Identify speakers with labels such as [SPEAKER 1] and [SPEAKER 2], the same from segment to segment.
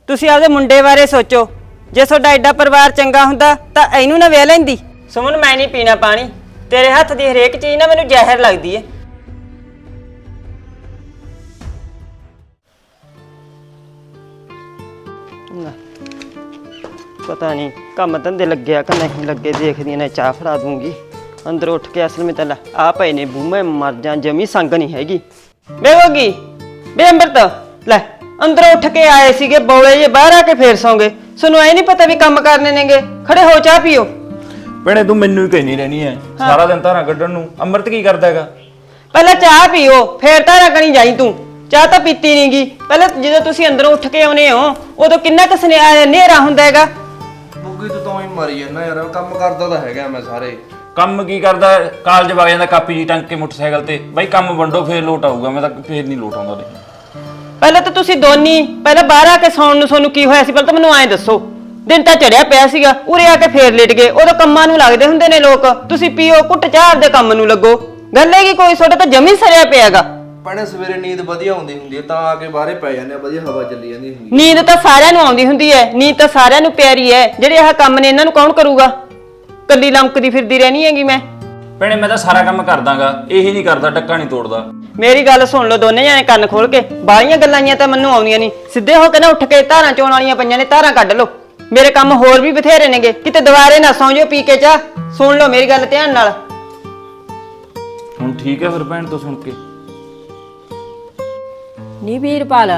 [SPEAKER 1] ਤੁਸੀਂ ਆਪਦੇ ਮੁੰਡੇ ਬਾਰੇ ਸੋਚੋ। ਜੇ ਤੁਹਾਡਾ ਐਡਾ ਪਰਿਵਾਰ ਚੰਗਾ ਹੁੰਦਾ ਤਾਂ ਇਹਨੂੰ ਨਾ ਵਿਆਹ ਲੈਂਦੀ। ਸੁਮਨ ਮੈਂ ਨਹੀਂ ਪੀਣਾ ਪਾਣੀ, ਤੇਰੇ ਹੱਥ ਦੀ ਹਰੇਕ ਚੀਜ਼ ਨਾ ਮੈਨੂੰ ਜ਼ਹਿਰ ਲੱਗਦੀ ਏ। ਪਤਾ ਨਹੀਂ ਕੰਮ ਧੰਦੇ ਲੱਗਿਆ ਕਿ ਨਹੀਂ ਲੱਗੇ, ਦੇਖਦੀ ਨੇ ਚਾਹ ਫੜਾ ਦੂੰਗੀ। ਅੰਦਰ ਉੱਠ ਕੇ ਅਸਲ ਵਿੱਚ ਤਾਂ ਆ ਪਏ ਨੇ ਬੂਮੇ ਮਰ ਜਾਂ, ਜਮੀ ਸੰਗ ਨਹੀਂ ਹੈਗੀ। ਬੇਵੋਗੀ ਬੇ ਅੰਮ੍ਰਿਤ ਲੈ ਅੰਦਰੋਂ ਉੱਠ ਕੇ ਆਏ ਸੀਗੇ ਬੌਲੇ ਜੇ, ਬਾਹਰ ਆ ਕੇ ਫੇਰ ਸੌਂਗੇ। ਤੁਹਾਨੂੰ ਐ ਨਹੀਂ ਪਤਾ ਵੀ ਕੰਮ ਕਰਨੇ ਨੇਗੇ? ਖੜੇ ਹੋ ਚਾਹ ਪੀਓ।
[SPEAKER 2] ਭੈਣੇ ਤੂੰ ਮੈਨੂੰ ਹੀ ਕਹਿਨੀ ਰਹਿਣੀ ਐ ਸਾਰਾ ਦਿਨ ਧਾਰਾਂ ਕੱਢਣ ਨੂੰ। ਅੰਮ੍ਰਿਤ ਕੀ ਕਰਦਾ ਹੈਗਾ?
[SPEAKER 1] ਪਹਿਲਾਂ ਚਾਹ ਪੀਓ ਫੇਰ ਧਾਰਾਂ ਕਣੀ ਜਾਈ ਤੂੰ। ਚਾਹ ਤਾਂ ਪੀਤੀ ਨਹੀਂਗੀ। ਪਹਿਲਾਂ ਜਦੋਂ ਤੁਸੀਂ ਅੰਦਰੋਂ ਉੱਠ ਕੇ ਆਉਨੇ ਹੋ ਉਦੋਂ ਕਿੰਨਾ ਕੁ ਹਨੇਰਾ ਹੁੰਦਾ ਹੈਗਾ।
[SPEAKER 3] ਬੁੱਗੀ ਤੂੰ ਤਾਂ ਹੀ ਮਰੀ ਜਾਂਦਾ ਯਾਰ, ਕੰਮ ਕਰਦਾ ਤਾਂ ਹੈਗਾ ਮੈਂ ਸਾਰੇ।
[SPEAKER 2] ਕੰਮ ਕੀ ਕਰਦਾ? ਕਾਲਜ ਵਗ ਜਾਂਦਾ ਕਾਪੀ ਜੀ ਟੰਗ ਕੇ ਮੋਟਰਸਾਈਕਲ ਤੇ। ਬਾਈ ਕੰਮ ਵੰਡੋ ਫੇਰ ਲੋਟ ਆਊਗਾ, ਮੈਂ ਤਾਂ ਫੇਰ ਨਹੀਂ ਲੋਟ ਆਉਂਦਾ।
[SPEAKER 1] ਪਹਿਲਾਂ ਤਾਂ ਤੁਸੀਂ ਦੋਨੀ ਪਹਿਲਾਂ ਬਾਹਰ ਆ ਕੇ ਸੌਣ ਨੂੰ ਤੁਹਾਨੂੰ ਕੀ ਹੋਇਆ ਸੀ ਪਹਿਲਾਂ ਤਾਂ ਮੈਨੂੰ ਐਂ ਦੱਸੋ। ਦਿਨ ਤਾਂ ਚੜਿਆ ਪਿਆ ਸੀਗਾ, ਉਰੇ ਆ ਕੇ ਫੇਰ ਲੇਟ ਗਏ। ਉਦੋਂ ਕੰਮਾਂ ਨੂੰ ਲੱਗਦੇ ਹੁੰਦੇ ਨੇ ਲੋਕ, ਤੁਸੀਂ ਪੀਓ ਕੁੱਟ ਚਾਹ ਦੇ ਕੰਮ ਨੂੰ ਲੱਗੋ। ਗੱਲ ਹੈਗੀ ਕੋਈ ਤੁਹਾਡਾ ਤਾਂ ਜਮੀ ਸਰਿਆ ਪਿਆਗਾ।
[SPEAKER 3] ਭੈਣੇ ਸਵੇਰੇ ਨੀਂਦ ਵਧੀਆ ਆਉਂਦੀ ਹੁੰਦੀ ਹੈ ਤਾਂ ਆ ਕੇ ਬਾਹਰੇ ਪੈ ਜਾਂਦੇ ਆ, ਵਧੀਆ ਹਵਾ ਚੱਲੀ ਜਾਂਦੀ ਹੁੰਦੀ।
[SPEAKER 1] ਨੀਂਦ ਤਾਂ ਸਾਰਿਆਂ ਨੂੰ ਆਉਂਦੀ ਹੁੰਦੀ ਹੈ, ਨੀਂਦ ਤਾਂ ਸਾਰਿਆਂ ਨੂੰ ਪਿਆਰੀ ਹੈ। ਜਿਹੜੇ ਆਹ ਕੰਮ ਨੇ ਇਹਨਾਂ ਨੂੰ ਕੌਣ ਕਰੂਗਾ? ਕੱਲੀ ਲੰਕਦੀ ਫਿਰਦੀ ਰਹਿਣੀ ਹੈਗੀ ਮੈਂ।
[SPEAKER 2] ਭੈਣੇ ਮੈਂ ਤਾਂ ਸਾਰਾ ਕੰਮ ਕਰਦਾਗਾ, ਇਹੀ ਨਹੀਂ ਕਰਦਾ, ਟੱਕਾ ਨਹੀਂ ਤੋੜਦਾ।
[SPEAKER 1] ਮੇਰੀ ਗੱਲ ਸੁਣ ਲਓ ਦੋਨੇ ਜਾਣੇ ਕੰਨ ਖੋਲ ਕੇ। ਬਾਹਲੀਆਂ ਗੱਲਾਂ ਤਾਂ ਮੈਨੂੰ ਆਉਂਦੀਆਂ ਨਹੀਂ। ਸਿੱਧੇ ਹੋ ਕੇ ਨਾ ਉੱਠ ਕੇ ਧਾਰਾਂ ਚੋਣ ਵਾਲੀਆਂ ਪਈਆਂ ਨੇ, ਧਾਰਾਂ ਕੱਢ ਲਓ। ਮੇਰੇ ਕੰਮ ਹੋਰ ਵੀ ਬਥੇਰੇ ਨੇਗੇ, ਕਿਤੇ ਦੁਬਾਰੇ ਨਾ ਸੌਂ ਜਾਓ ਪੀ ਕੇ ਚਾਹ। ਸੁਣ ਲਓ ਮੇਰੀ ਗੱਲ ਧਿਆਨ ਨਾਲ।
[SPEAKER 2] ਹੁਣ ਠੀਕ ਹੈ ਫਿਰ ਭੈਣ ਤੋਂ ਸੁਣ ਕੇ।
[SPEAKER 4] ਨੀ ਵੀਰਪਾਲ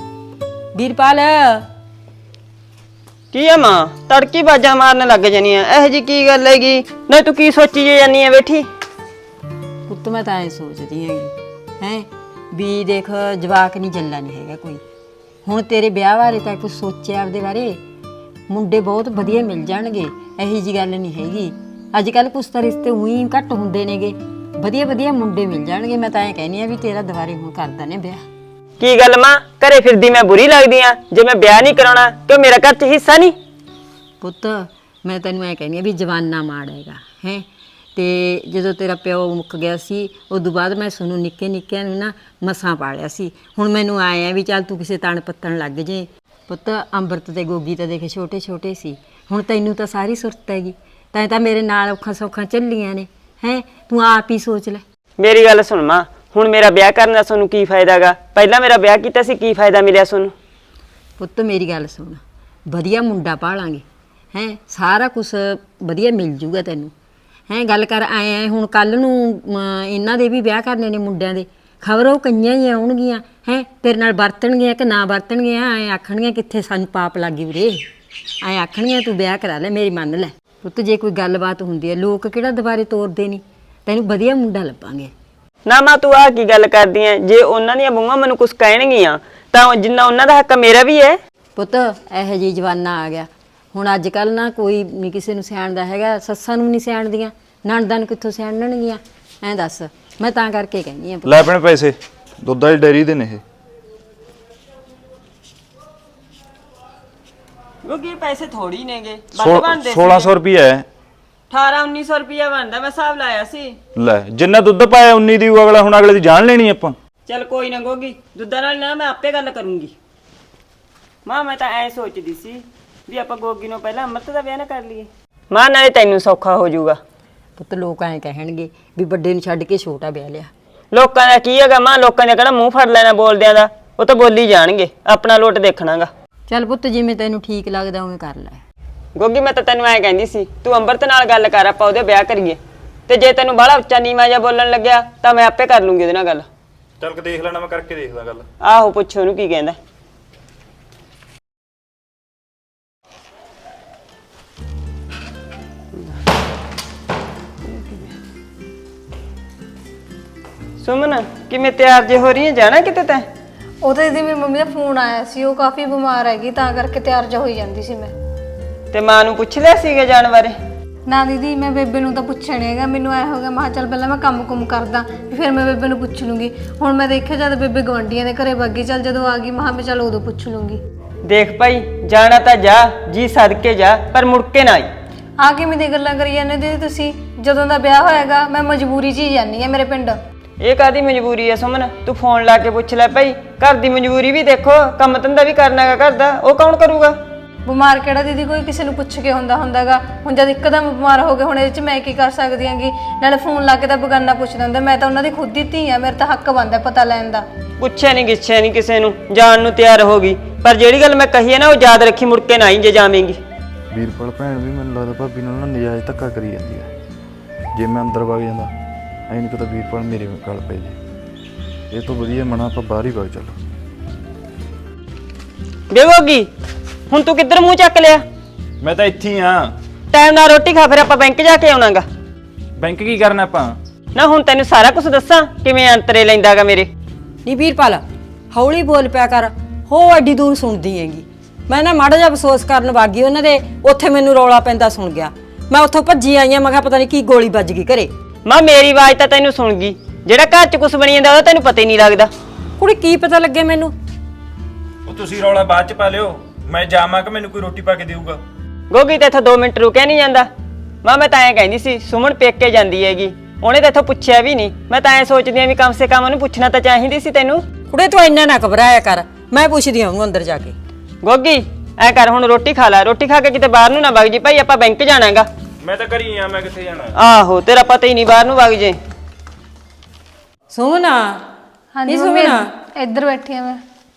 [SPEAKER 1] ਕੀ ਆ ਮਾਂ ਤੜਕੀ ਬਾਜਾਂ ਮਾਰਨ ਲੱਗ ਜਾਨੀ ਆ? ਇਹੋ ਜੀ ਕੀ ਗੱਲ ਹੈਗੀ? ਨਾ ਤੂੰ ਕੀ ਸੋਚੀ ਜੇ ਜਾਨੀ ਆ ਬੈਠੀ?
[SPEAKER 4] ਪੁੱਤ ਮੈਂ ਤਾਂ ਐ ਸੋਚਦੀ ਹੈਗੀ ਹੈ ਵੀ ਦੇਖ ਜਵਾਕ ਨਹੀਂ ਜੱਲਾ ਨਹੀਂ ਹੈਗਾ ਕੋਈ। ਹੁਣ ਤੇਰੇ ਵਿਆਹ ਬਾਰੇ ਤਾਂ ਕੁਝ ਸੋਚਿਆ ਆਪਦੇ ਬਾਰੇ? ਮੁੰਡੇ ਬਹੁਤ ਵਧੀਆ ਮਿਲ ਜਾਣਗੇ, ਇਹੀ ਜੀ ਗੱਲ ਨਹੀਂ ਹੈਗੀ। ਅੱਜ ਕੱਲ ਕੁਛ ਤਾਂ ਰਿਸ਼ਤੇ ਉਹੀ ਘੱਟ ਹੁੰਦੇ ਨੇਗੇ, ਵਧੀਆ ਵਧੀਆ ਮੁੰਡੇ ਮਿਲ ਜਾਣਗੇ। ਮੈਂ ਤਾਂ ਐ ਕਹਿੰਦੀ ਆ ਵੀ ਤੇਰਾ ਦੁਬਾਰੇ ਹੁਣ ਕਰਦਾ ਨੇ ਵਿਆਹ।
[SPEAKER 1] ਕੀ ਗੱਲ ਮਾਂ ਘਰੇ ਫਿਰਦੀ ਮੈਂ ਬੁਰੀ ਲੱਗਦੀ ਆ ਜੇ ਮੈਂ ਵਿਆਹ ਨਹੀਂ ਕਰਾਉਣਾ? ਕਿ ਮੇਰਾ ਘਰ 'ਚ ਹਿੱਸਾ ਨਹੀਂ?
[SPEAKER 4] ਪੁੱਤ ਮੈਂ ਤੈਨੂੰ ਐ ਕਹਿੰਦੀ ਆ ਵੀ ਜਵਾਨਾ ਮਾੜ ਹੈਗਾ ਹੈ। ਤੇ ਜਦੋਂ ਤੇਰਾ ਪਿਓ ਮੁੱਕ ਗਿਆ ਸੀ ਉਦੋਂ ਬਾਅਦ ਮੈਂ ਸਾਨੂੰ ਨਿੱਕੇ ਨਿੱਕਿਆਂ ਨੂੰ ਨਾ ਮਸਾਂ ਪਾਲਿਆ ਸੀ। ਹੁਣ ਮੈਨੂੰ ਆਏ ਆ ਵੀ ਚੱਲ ਤੂੰ ਕਿਸੇ ਤਣ ਪੱਤਣ ਲੱਗ ਜੇ। ਪੁੱਤ ਅੰਮ੍ਰਿਤ ਤੇ ਗੋਗੀ ਤਾਂ ਦੇਖ ਛੋਟੇ ਛੋਟੇ ਸੀ, ਹੁਣ ਤੈਨੂੰ ਤਾਂ ਸਾਰੀ ਸੁਰਤ ਹੈਗੀ। ਤਾਂ ਮੇਰੇ ਨਾਲ ਔਖਾਂ ਸੌਖਾਂ ਚੱਲੀਆਂ ਨੇ ਹੈ, ਤੂੰ ਆਪ ਹੀ ਸੋਚ ਲੈ।
[SPEAKER 1] ਮੇਰੀ ਗੱਲ ਸੁਣ ਮਾਂ, ਹੁਣ ਮੇਰਾ ਵਿਆਹ ਕਰਨ ਦਾ ਤੁਹਾਨੂੰ ਕੀ ਫਾਇਦਾ ਗਾ? ਪਹਿਲਾਂ ਮੇਰਾ ਵਿਆਹ ਕੀਤਾ ਸੀ, ਕੀ ਫਾਇਦਾ ਮਿਲਿਆ ਤੁਹਾਨੂੰ?
[SPEAKER 4] ਪੁੱਤ ਮੇਰੀ ਗੱਲ ਸੁਣ, ਵਧੀਆ ਮੁੰਡਾ ਪਾਲਾਂਗੇ ਹੈ, ਸਾਰਾ ਕੁਝ ਵਧੀਆ ਮਿਲ ਜੂਗਾ ਤੈਨੂੰ ਹੈ। ਗੱਲ ਕਰ ਆਏ ਹੁਣ ਕੱਲ ਨੂੰ ਇਹਨਾਂ ਦੇ ਵੀ ਵਿਆਹ ਕਰਨੇ ਨੇ ਮੁੰਡਿਆਂ ਦੇ, ਖਬਰ ਉਹ ਕਈਆਂ ਹੀ ਆਉਣਗੀਆਂ ਹੈ, ਤੇਰੇ ਨਾਲ ਵਰਤਣਗੀਆਂ ਕਿ ਨਾ ਵਰਤਣਗੀਆਂ। ਐਂ ਆਖਣਗੀਆਂ ਕਿੱਥੇ ਸਾਨੂੰ ਪਾਪ ਲੱਗੀ ਵੀਰੇ, ਐਂ ਆਖਣਗੀਆਂ ਤੂੰ ਵਿਆਹ ਕਰਾ ਲੈ। ਮੇਰੀ ਮੰਨ ਲੈ ਪੁੱਤ, ਜੇ ਕੋਈ ਗੱਲਬਾਤ ਹੁੰਦੀ ਹੈ ਲੋਕ ਕਿਹੜਾ ਦੁਬਾਰੇ ਤੋਰਦੇ ਨਹੀਂ, ਤੈਨੂੰ ਵਧੀਆ ਮੁੰਡਾ ਲੱਭਾਂਗੇ।
[SPEAKER 1] ਨਾ ਮਾਂ ਤੂੰ ਆਹ ਕੀ ਗੱਲ ਕਰਦੀ ਐ? ਜੇ ਉਹਨਾਂ ਦੀਆਂ ਬੂਹਾਂ ਮੈਨੂੰ ਕੁਝ ਕਹਿਣਗੀਆਂ ਤਾਂ ਜਿੰਨਾ ਉਹਨਾਂ ਦਾ ਹੱਕ ਮੇਰਾ ਵੀ ਹੈ।
[SPEAKER 4] ਪੁੱਤ ਇਹੋ ਜਿਹੀ ਜਵਾਨਾ ਆ ਗਿਆ ਹੁਣ, ਅੱਜ ਕੱਲ੍ਹ ਨਾ ਕੋਈ ਨਹੀਂ ਕਿਸੇ ਨੂੰ ਸਿਆਣਦਾ ਹੈਗਾ। ਸੱਸਾਂ ਨੂੰ ਨਹੀਂ ਸਿਆਣਦੀਆਂ, ਨਣਦਾਂ ਨੂੰ ਕਿੱਥੋਂ ਸਿਆਣਨਗੀਆਂ? ਐਂ ਦੱਸ, ਮੈਂ ਤਾਂ ਕਰਕੇ ਕਹਿੰਦੀ ਆ।
[SPEAKER 2] ਲੈ ਆਪਣੇ ਪੈਸੇ ਦੁੱਧ ਵਾਲੀ ਡੇਅਰੀ ਦੇ ਨੇ ਇਹ।
[SPEAKER 1] ਕਿਉਂਕਿ ਪੈਸੇ ਥੋੜੀ ਨੇਗੇ, ਵੱਧ ਬਣਦੇ ਸੀ।
[SPEAKER 2] 1600 ਰੁਪਏ ਹੈ।
[SPEAKER 1] 1800-1900 ਰੁਪਇਆ ਬਣਦਾ, ਮੈਂ ਹਿਸਾਬ ਲਾਇਆ ਸੀ।
[SPEAKER 2] ਲੈ ਜਿੰਨਾ ਦੁੱਧ ਪਾਇਆ 19 ਦੀ ਅਗਲਾ, ਹੁਣ ਅਗਲੇ ਦੀ ਜਾਨ ਲੈਣੀ ਆਪਾਂ।
[SPEAKER 1] ਚੱਲ ਕੋਈ ਨਾ ਗੋਗੀ, ਦੁੱਧਾਂ ਨਾਲ ਨਾ ਮੈਂ ਆਪੇ ਗੱਲ ਕਰੂੰਗੀ। ਮਾਂ ਮੈਂ ਤਾਂ ਐ ਸੋਚਦੀ ਸੀ ਵੀ ਆਪਾਂ ਗੋਗੀ ਨੂੰ ਪਹਿਲਾਂ ਅੰਮ੍ਰਿਤ ਦਾ ਵਿਆਹ ਨਾ ਕਰ ਲਈਏ। ਮਾਂ ਨਾਲੇ ਤੈਨੂੰ ਸੌਖਾ ਹੋ ਜਾਊਗਾ।
[SPEAKER 4] ਪੁੱਤ ਲੋਕ ਐਂ ਕਹਿਣਗੇ ਵੀ ਵੱਡੇ ਨੂੰ ਛੱਡ ਕੇ ਛੋਟਾ ਵਿਆਹ ਲਿਆ।
[SPEAKER 1] ਲੋਕਾਂ ਦਾ ਕੀ ਹੈਗਾ ਮਾਂ, ਲੋਕਾਂ ਨੇ ਕਿਹੜਾ ਮੂੰਹ ਫੜ ਲੈਣਾ ਬੋਲਦਿਆਂ ਦਾ, ਉਹ ਤਾਂ ਬੋਲੀ ਜਾਣਗੇ, ਆਪਣਾ ਲੋਟ ਦੇਖਣਾਗਾ।
[SPEAKER 4] ਚੱਲ ਪੁੱਤ ਜਿਵੇਂ ਤੈਨੂੰ ਠੀਕ ਲੱਗਦਾ ਉਵੇਂ ਕਰ ਲੈ।
[SPEAKER 1] ਗੋਗੀ ਮੈਂ ਤਾਂ ਤੈਨੂੰ ਐਂ ਕਹਿੰਦੀ ਸੀ ਤੂੰ ਅੰਮ੍ਰਿਤ ਨਾਲ ਗੱਲ ਕਰ, ਆਪਾਂ ਉਹਦੇ ਵਿਆਹ ਕਰੀਏ। ਤੇ ਜੇ ਤੈਨੂੰ ਬਾਹਲਾ ਉੱਚਾ ਨੀਵਾਂ ਜਿਹਾ ਬੋਲਣ ਲੱਗਿਆ ਤਾਂ ਮੈਂ ਆਪੇ ਕਰ ਲੂੰਗੀ ਉਹਦੇ ਨਾਲ ਗੱਲ।
[SPEAKER 2] ਚੱਲ ਦੇਖ ਲੈਣਾ, ਮੈਂ ਕਰਕੇ ਦੇਖਦਾ ਗੱਲ।
[SPEAKER 1] ਆਹੋ ਪੁੱਛੋ ਉਹਨੂੰ ਕੀ ਕਹਿੰਦਾ। ਸੁਮਨ ਕਿਵੇਂ ਤਿਆਰ ਜੇ ਹੋ ਰਹੀ ਹੈ, ਜਾਣਾ ਕਿਤੇ ਤੈਂ?
[SPEAKER 5] ਉਹ ਤਾਂ ਦੀਦੀ ਮੇਰੀ ਮੰਮੀ ਦਾ ਫੋਨ ਆਇਆ ਸੀ, ਉਹ ਕਾਫੀ ਬਿਮਾਰ ਹੈਗੀ ਤਾਂ ਕਰਕੇ ਤਿਆਰ ਜਾ ਹੋਈ ਜਾਂਦੀ ਸੀ ਮੈਂ।
[SPEAKER 1] ਤੇ ਮਾਂ ਨੂੰ ਪੁੱਛ ਲਿਆ ਸੀਗਾ ਜਾਣ ਬਾਰੇ?
[SPEAKER 5] ਨਾ ਦੀਦੀ ਮੈਂ ਬੇਬੇ ਨੂੰ ਤਾਂ ਪੁੱਛਿਆ ਨਹੀਂ ਹੈਗਾ, ਮੈਨੂੰ ਐ ਹੋ ਗਿਆ ਮੈਂ ਚੱਲ ਪਹਿਲਾਂ ਮੈਂ ਕੰਮ ਕਰਦਾ ਫਿਰ ਮੈਂ ਬੇਬੇ ਨੂੰ ਪੁੱਛ ਲੂੰਗੀ। ਹੁਣ ਮੈਂ ਦੇਖਿਆ ਜਦ ਬੇਬੇ ਗਵਾਂਢੀਆਂ ਦੇ ਘਰੇ ਵਗ ਗਈ, ਚੱਲ ਜਦੋਂ ਆ ਗਈ ਮੈਂ ਚੱਲ ਉਦੋਂ ਪੁੱਛ ਲੂੰਗੀ।
[SPEAKER 1] ਦੇਖ ਭਾਈ ਜਾਣਾ ਤਾਂ ਜਾ, ਜੀ ਸਦਕੇ ਜਾ, ਪਰ ਮੁੜ ਕੇ ਨਾ ਆਈ।
[SPEAKER 5] ਆ ਕਿਵੇਂ ਦੀ ਗੱਲਾਂ ਕਰੀ ਜਾਂਦੇ ਦੀਦੀ ਤੁਸੀਂ? ਜਦੋਂ ਦਾ ਵਿਆਹ ਹੋਏਗਾ ਮੈਂ ਮਜਬੂਰੀ 'ਚ ਹੀ ਜਾਂਦੀ ਆ ਮੇਰੇ ਪਿੰਡ।
[SPEAKER 1] ਇਹ ਕਾਦੀ ਮਜਬੂਰੀ ਹੈ ਸੁਮਨ? ਤੂੰ ਫੋਨ ਲਾ ਕੇ ਪੁੱਛ ਲੈ ਭਾਈ, ਘਰ ਦੀ ਮਜਬੂਰੀ ਵੀ ਦੇਖੋ, ਕੰਮ ਧੰਦਾ ਵੀ ਕਰਨਾ ਹੈਗਾ ਘਰ ਦਾ, ਉਹ ਕੌਣ ਕਰੂਗਾ?
[SPEAKER 5] ਬਿਮਾਰ ਕਿਹੜਾ ਦੀਦੀ ਕੋਈ ਕਿਸੇ ਨੂੰ ਪੁੱਛ ਕੇ ਹੁੰਦਾਗਾ। ਹੁਣ ਜਦ ਇੱਕਦਮ ਬਿਮਾਰ ਹੋ ਗਏ, ਹੁਣ ਇਹਦੇ 'ਚ ਮੈਂ ਕੀ ਕਰ ਸਕਦੀ ਆਂਗੀ? ਨਾਲੇ ਫੋਨ ਲਾ ਕੇ ਤਾਂ ਬਗਾਨਾ ਪੁੱਛਦਾ ਹੁੰਦਾ, ਮੈਂ ਤਾਂ ਉਹਨਾਂ ਦੀ ਖੁਦ ਦੀ ਧੀ ਆ, ਮੇਰੇ ਤਾਂ ਹੱਕ ਬਣਦਾ ਪਤਾ ਲੈਣ ਦਾ।
[SPEAKER 1] ਪੁੱਛਿਆ ਨਹੀਂ ਗਿੱਛਿਆ ਨਹੀਂ ਕਿਸੇ ਨੂੰ, ਜਾਣ ਨੂੰ ਤਿਆਰ ਹੋ ਗਈ, ਪਰ ਜਿਹੜੀ ਗੱਲ ਮੈਂ ਕਹੀ ਹੈ ਨਾ ਉਹ ਯਾਦ ਰੱਖੀ, ਮੁੜ ਕੇ ਨਾ ਹੀ ਜੇ ਜਾਵੇਂਗੀ।
[SPEAKER 6] ਵੀਰਪਾਲ ਭੈਣ ਵੀ ਮੈਨੂੰ ਲੱਗਦਾ ਭਾਬੀ ਨਾਲ ਨਾ ਨਜਾਇਜ਼ ਧੱਕਾ ਕਰੀ ਜਾਂਦੀ ਹੈ। ਜੇ ਮੈਂ ਅੰਦਰ ਵਗ ਜਾਂਦਾ ਐਂ ਨਹੀਂ ਪਤਾ ਵੀਰਪਾਲ ਮੇਰੇ ਗੱਲ ਪੈ ਜੇ। ਇਹ ਤੋਂ ਵਧੀਆ ਮਨਾ ਆਪਾਂ ਬਾਹਰ ਹੀ ਵਗ ਚੱਲ।
[SPEAKER 1] ਬੇਵੋਗੀ ਹੁਣ ਤੂੰ ਕਿੱਧਰ ਮੂੰਹ ਚੱਕ ਲਿਆ?
[SPEAKER 2] ਮੈਂ ਤਾਂ ਇੱਥੇ ਹੀ ਆ।
[SPEAKER 1] ਟਾਈਮ ਨਾਲ ਰੋਟੀ ਖਾ, ਫਿਰ ਆਪਾਂ ਬੈਂਕ ਜਾ ਕੇ ਆਉਣਾਗਾ।
[SPEAKER 2] ਬੈਂਕ ਕੀ ਕਰਨਾ ਆਪਾਂ?
[SPEAKER 1] ਨਾ ਹੁਣ ਤੈਨੂੰ ਸਾਰਾ ਕੁਝ ਦੱਸਾਂ ਕਿਵੇਂ ਅੰਤਰੇ ਲੈਂਦਾਗਾ ਮੇਰੇ।
[SPEAKER 4] ਨੀ ਵੀਰਪਾਲ ਹੌਲੀ ਬੋਲ ਪਿਆ ਕਰ, ਹੋ ਐਡੀ ਦੂਰ ਸੁਣਦੀ ਹੈਗੀ। ਮੈਂ ਨਾ ਮਾੜਾ ਜਿਹਾ ਅਫਸੋਸ ਕਰਨ ਵਾਗੀ ਉਹਨਾਂ ਦੇ, ਉੱਥੇ ਮੈਨੂੰ ਰੌਲਾ ਪੈਂਦਾ ਸੁਣ ਗਿਆ, ਮੈਂ ਉੱਥੋਂ ਭੱਜੀ ਆਈ ਆ, ਮੈਂ ਕਿਹਾ ਪਤਾ ਨਹੀਂ ਕੀ ਗੋਲੀ ਵੱਜ ਗਈ ਘਰੇ।
[SPEAKER 1] ਮਾਂ ਮੇਰੀ ਆਵਾਜ਼ ਤਾਂ ਤੈਨੂੰ ਸੁਣ ਗਈ, ਜਿਹੜਾ ਘਰ 'ਚ ਕੁਝ ਬਣੀ ਜਾਂਦਾ ਉਹਦਾ ਤੈਨੂੰ ਪਤਾ ਹੀ ਨਹੀਂ ਲੱਗਦਾ।
[SPEAKER 4] ਕੁੜੀ ਕੀ ਪਤਾ ਲੱਗੇ ਮੈਨੂੰ?
[SPEAKER 2] ਉਹ ਤੁਸੀਂ ਰੌਲਾ ਬਾਅਦ ਚ ਪਾ ਲਿਓ, ਮੈਂ ਜਾਵਾਂ ਕਿ ਮੈਨੂੰ ਕੋਈ ਰੋਟੀ ਪਾ ਕੇ ਦੇਊਗਾ?
[SPEAKER 1] ਗੋਗੀ ਤੇ ਇੱਥੋਂ 2 ਮਿੰਟ ਰੁਕਿਆ ਨਹੀਂ ਜਾਂਦਾ। ਮਾਂ ਮੈਂ ਤਾਂ ਐਂ ਕਹਿੰਦੀ ਸੀ ਸੁਮਨ ਪੇਕੇ ਜਾਂਦੀ ਹੈਗੀ, ਉਹਨੇ ਤਾਂ ਇੱਥੋਂ ਪੁੱਛਿਆ ਵੀ ਨਹੀਂ। ਮੈਂ ਤਾਂ ਐਂ ਸੋਚਦੀ ਆ ਵੀ ਕਮ ਸੇ ਕਮ ਉਹਨੂੰ ਪੁੱਛਣਾ ਤਾਂ ਚਾਹੀਦੀ ਸੀ ਤੈਨੂੰ।
[SPEAKER 4] ਕੁੜੇ ਤੂੰ ਇੰਨਾ ਨਾ ਘਬਰਾਇਆ ਕਰ, ਮੈਂ ਪੁੱਛਦੀ ਆ ਉਹਨੂੰ ਅੰਦਰ ਜਾ ਕੇ।
[SPEAKER 1] ਗੋਗੀ ਐ ਕਰ ਹੁਣ ਰੋਟੀ ਖਾ ਲੈ, ਰੋਟੀ ਖਾ ਕੇ ਕਿਤੇ ਬਾਹਰ ਨੂੰ ਨਾ ਵਗ ਜੀ ਭਾਈ, ਆਪਾਂ ਬੈਂਕ ਜਾਣਾਗਾ।
[SPEAKER 2] ਮੈਂ ਤਾਂ ਘਰੀ ਆ, ਮੈਂ ਕਿੱਥੇ ਜਾਣਾ?
[SPEAKER 1] ਆਹੋ ਤੇਰਾ ਪਤਾ ਹੀ ਨਹੀਂ, ਬਾਹਰ ਨੂੰ ਵਗ ਜੇ।
[SPEAKER 4] ਸੁਮਨਾ
[SPEAKER 5] ਹਾਂਜੀ
[SPEAKER 4] ਨੀ
[SPEAKER 5] ਮੰਮੀ,
[SPEAKER 4] ਸੁਮਨਾ
[SPEAKER 5] ਇੱਧਰ ਬੈਠੀ ਆ ਮੈਂ।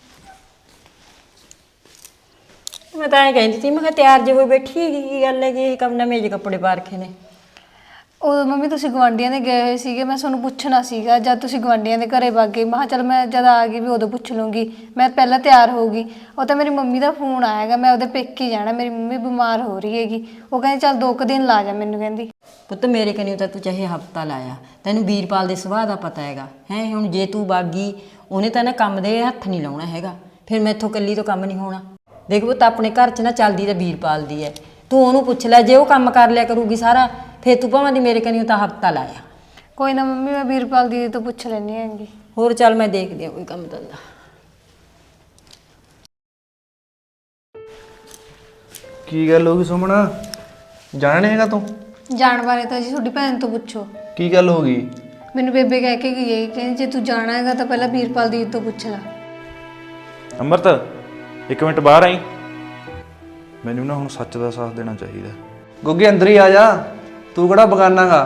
[SPEAKER 4] ਮੈਂ ਤਾਂ ਐਂ ਕਹਿੰਦੀ ਸੀ, ਮੈਂ ਕਿਹਾ ਤਿਆਰ ਜੇ ਹੋਈ ਬੈਠੀ ਹੈਗੀ, ਕੀ ਗੱਲ ਹੈ ਕਿ ਕੰਮ ਨਾ ਮੇਜ ਕੱਪੜੇ ਪਾ ਰੱਖੇ ਨੇ?
[SPEAKER 5] ਉਹ ਮੰਮੀ ਤੁਸੀਂ ਗਵਾਂਢੀਆਂ ਦੇ ਗਏ ਹੋਏ ਸੀਗੇ, ਮੈਂ ਤੁਹਾਨੂੰ ਪੁੱਛਣਾ ਸੀਗਾ ਜਦ ਤੁਸੀਂ ਗਵਾਂਢੀਆਂ ਦੇ ਘਰੇ ਵਗ ਗਏ। ਮੈਂ ਕਿਹਾ ਚੱਲ ਮੈਂ ਜਦ ਆ ਗਈ ਵੀ ਉਦੋਂ ਪੁੱਛ ਲੂੰਗੀ, ਮੈਂ ਪਹਿਲਾਂ ਤਿਆਰ ਹੋਊਗੀ। ਉਹ ਤਾਂ ਮੇਰੀ ਮੰਮੀ ਦਾ ਫੋਨ ਆਏਗਾ, ਮੈਂ ਉਹਦੇ ਪੇਕੇ ਜਾਣਾ, ਮੇਰੀ ਮੰਮੀ ਬਿਮਾਰ ਹੋ ਰਹੀ ਹੈਗੀ। ਉਹ ਕਹਿੰਦੀ ਚੱਲ 2 ਦਿਨ ਲਾ ਜਾ ਮੈਨੂੰ, ਕਹਿੰਦੀ।
[SPEAKER 4] ਪੁੱਤ ਮੇਰੇ ਕਨੀ ਤਾਂ ਤੂੰ ਚਾਹੇ ਹਫਤਾ ਲਾਇਆ, ਤੈਨੂੰ ਵੀਰਪਾਲ ਦੇ ਸੁਭਾਅ ਦਾ ਪਤਾ ਹੈਗਾ ਹੈ। ਹੁਣ ਜੇ ਤੂੰ ਬਾਗੀ, ਉਹਨੇ ਤਾਂ ਨਾ ਕੰਮ ਦੇ ਹੱਥ ਨਹੀਂ ਲਾਉਣਾ ਹੈਗਾ, ਫਿਰ ਮੈਥੋਂ ਇਕੱਲੀ ਤੋਂ ਕੰਮ ਨਹੀਂ ਹੋਣਾ। ਦੇਖ ਪੁੱਤ ਆਪਣੇ ਘਰ 'ਚ ਨਾ ਚੱਲਦੀ ਤਾਂ ਵੀਰਪਾਲ ਦੀ ਹੈ, ਤੂੰ ਉਹਨੂੰ ਪੁੱਛ ਲੈ, ਜੇ ਉਹ ਕੰਮ ਕਰ ਲਿਆ ਕਰੂਗੀ ਸਾਰਾ, ਫਿਰ ਤੂੰ ਭਾਵੇਂ ਦੀ ਮੇਰੇ ਕਨੀ ਤਾਂ ਹਫਤਾ ਲਾਇਆ।
[SPEAKER 5] ਕੋਈ ਨਾ ਮੰਮੀ, ਮੈਂ ਵੀਰਪਾਲ ਦੀਦੀ ਤੋਂ ਪੁੱਛ ਲੈਣੀ ਹੈਗੀ।
[SPEAKER 4] ਹੋਰ ਚੱਲ ਮੈਂ ਦੇਖਦੀ ਆ ਕੋਈ ਕੰਮ ਧੰਦਾ।
[SPEAKER 3] ਕੀ ਗੱਲ ਹੋ ਗਈ ਸੁਮਣਾ? ਜਾਣਾ ਨਹੀਂ ਹੈਗਾ ਤੂੰ?
[SPEAKER 5] ਜਾਣ ਬਾਰੇ ਤਾਂ ਜੀ ਤੁਹਾਡੀ ਭੈਣ ਤੋਂ ਪੁੱਛੋ।
[SPEAKER 3] ਕੀ ਗੱਲ ਹੋ ਗਈ?
[SPEAKER 5] ਮੈਨੂੰ ਬੇਬੇ ਕਹਿ ਕੇ ਗਈ ਹੈ, ਕਹਿੰਦੀ ਜੇ ਤੂੰ ਜਾਣਾ ਹੈਗਾ ਤਾਂ ਪਹਿਲਾਂ ਵੀਰਪਾਲ ਦੀਦੀ ਤੋਂ ਪੁੱਛ ਲੈ।
[SPEAKER 6] ਅੰਮ੍ਰਿਤ 1 ਮਿੰਟ ਬਾਹਰ ਆਈ, ਮੈਨੂੰ ਨਾ ਹੁਣ ਸੱਚ ਦਾ ਸਾਥ ਦੇਣਾ ਚਾਹੀਦਾ।
[SPEAKER 3] ਗੋਗੀ ਅੰਦਰ ਹੀ ਆ ਜਾ, ਤੂੰ ਕਿਹੜਾ ਬਗਾਨਾਗਾ?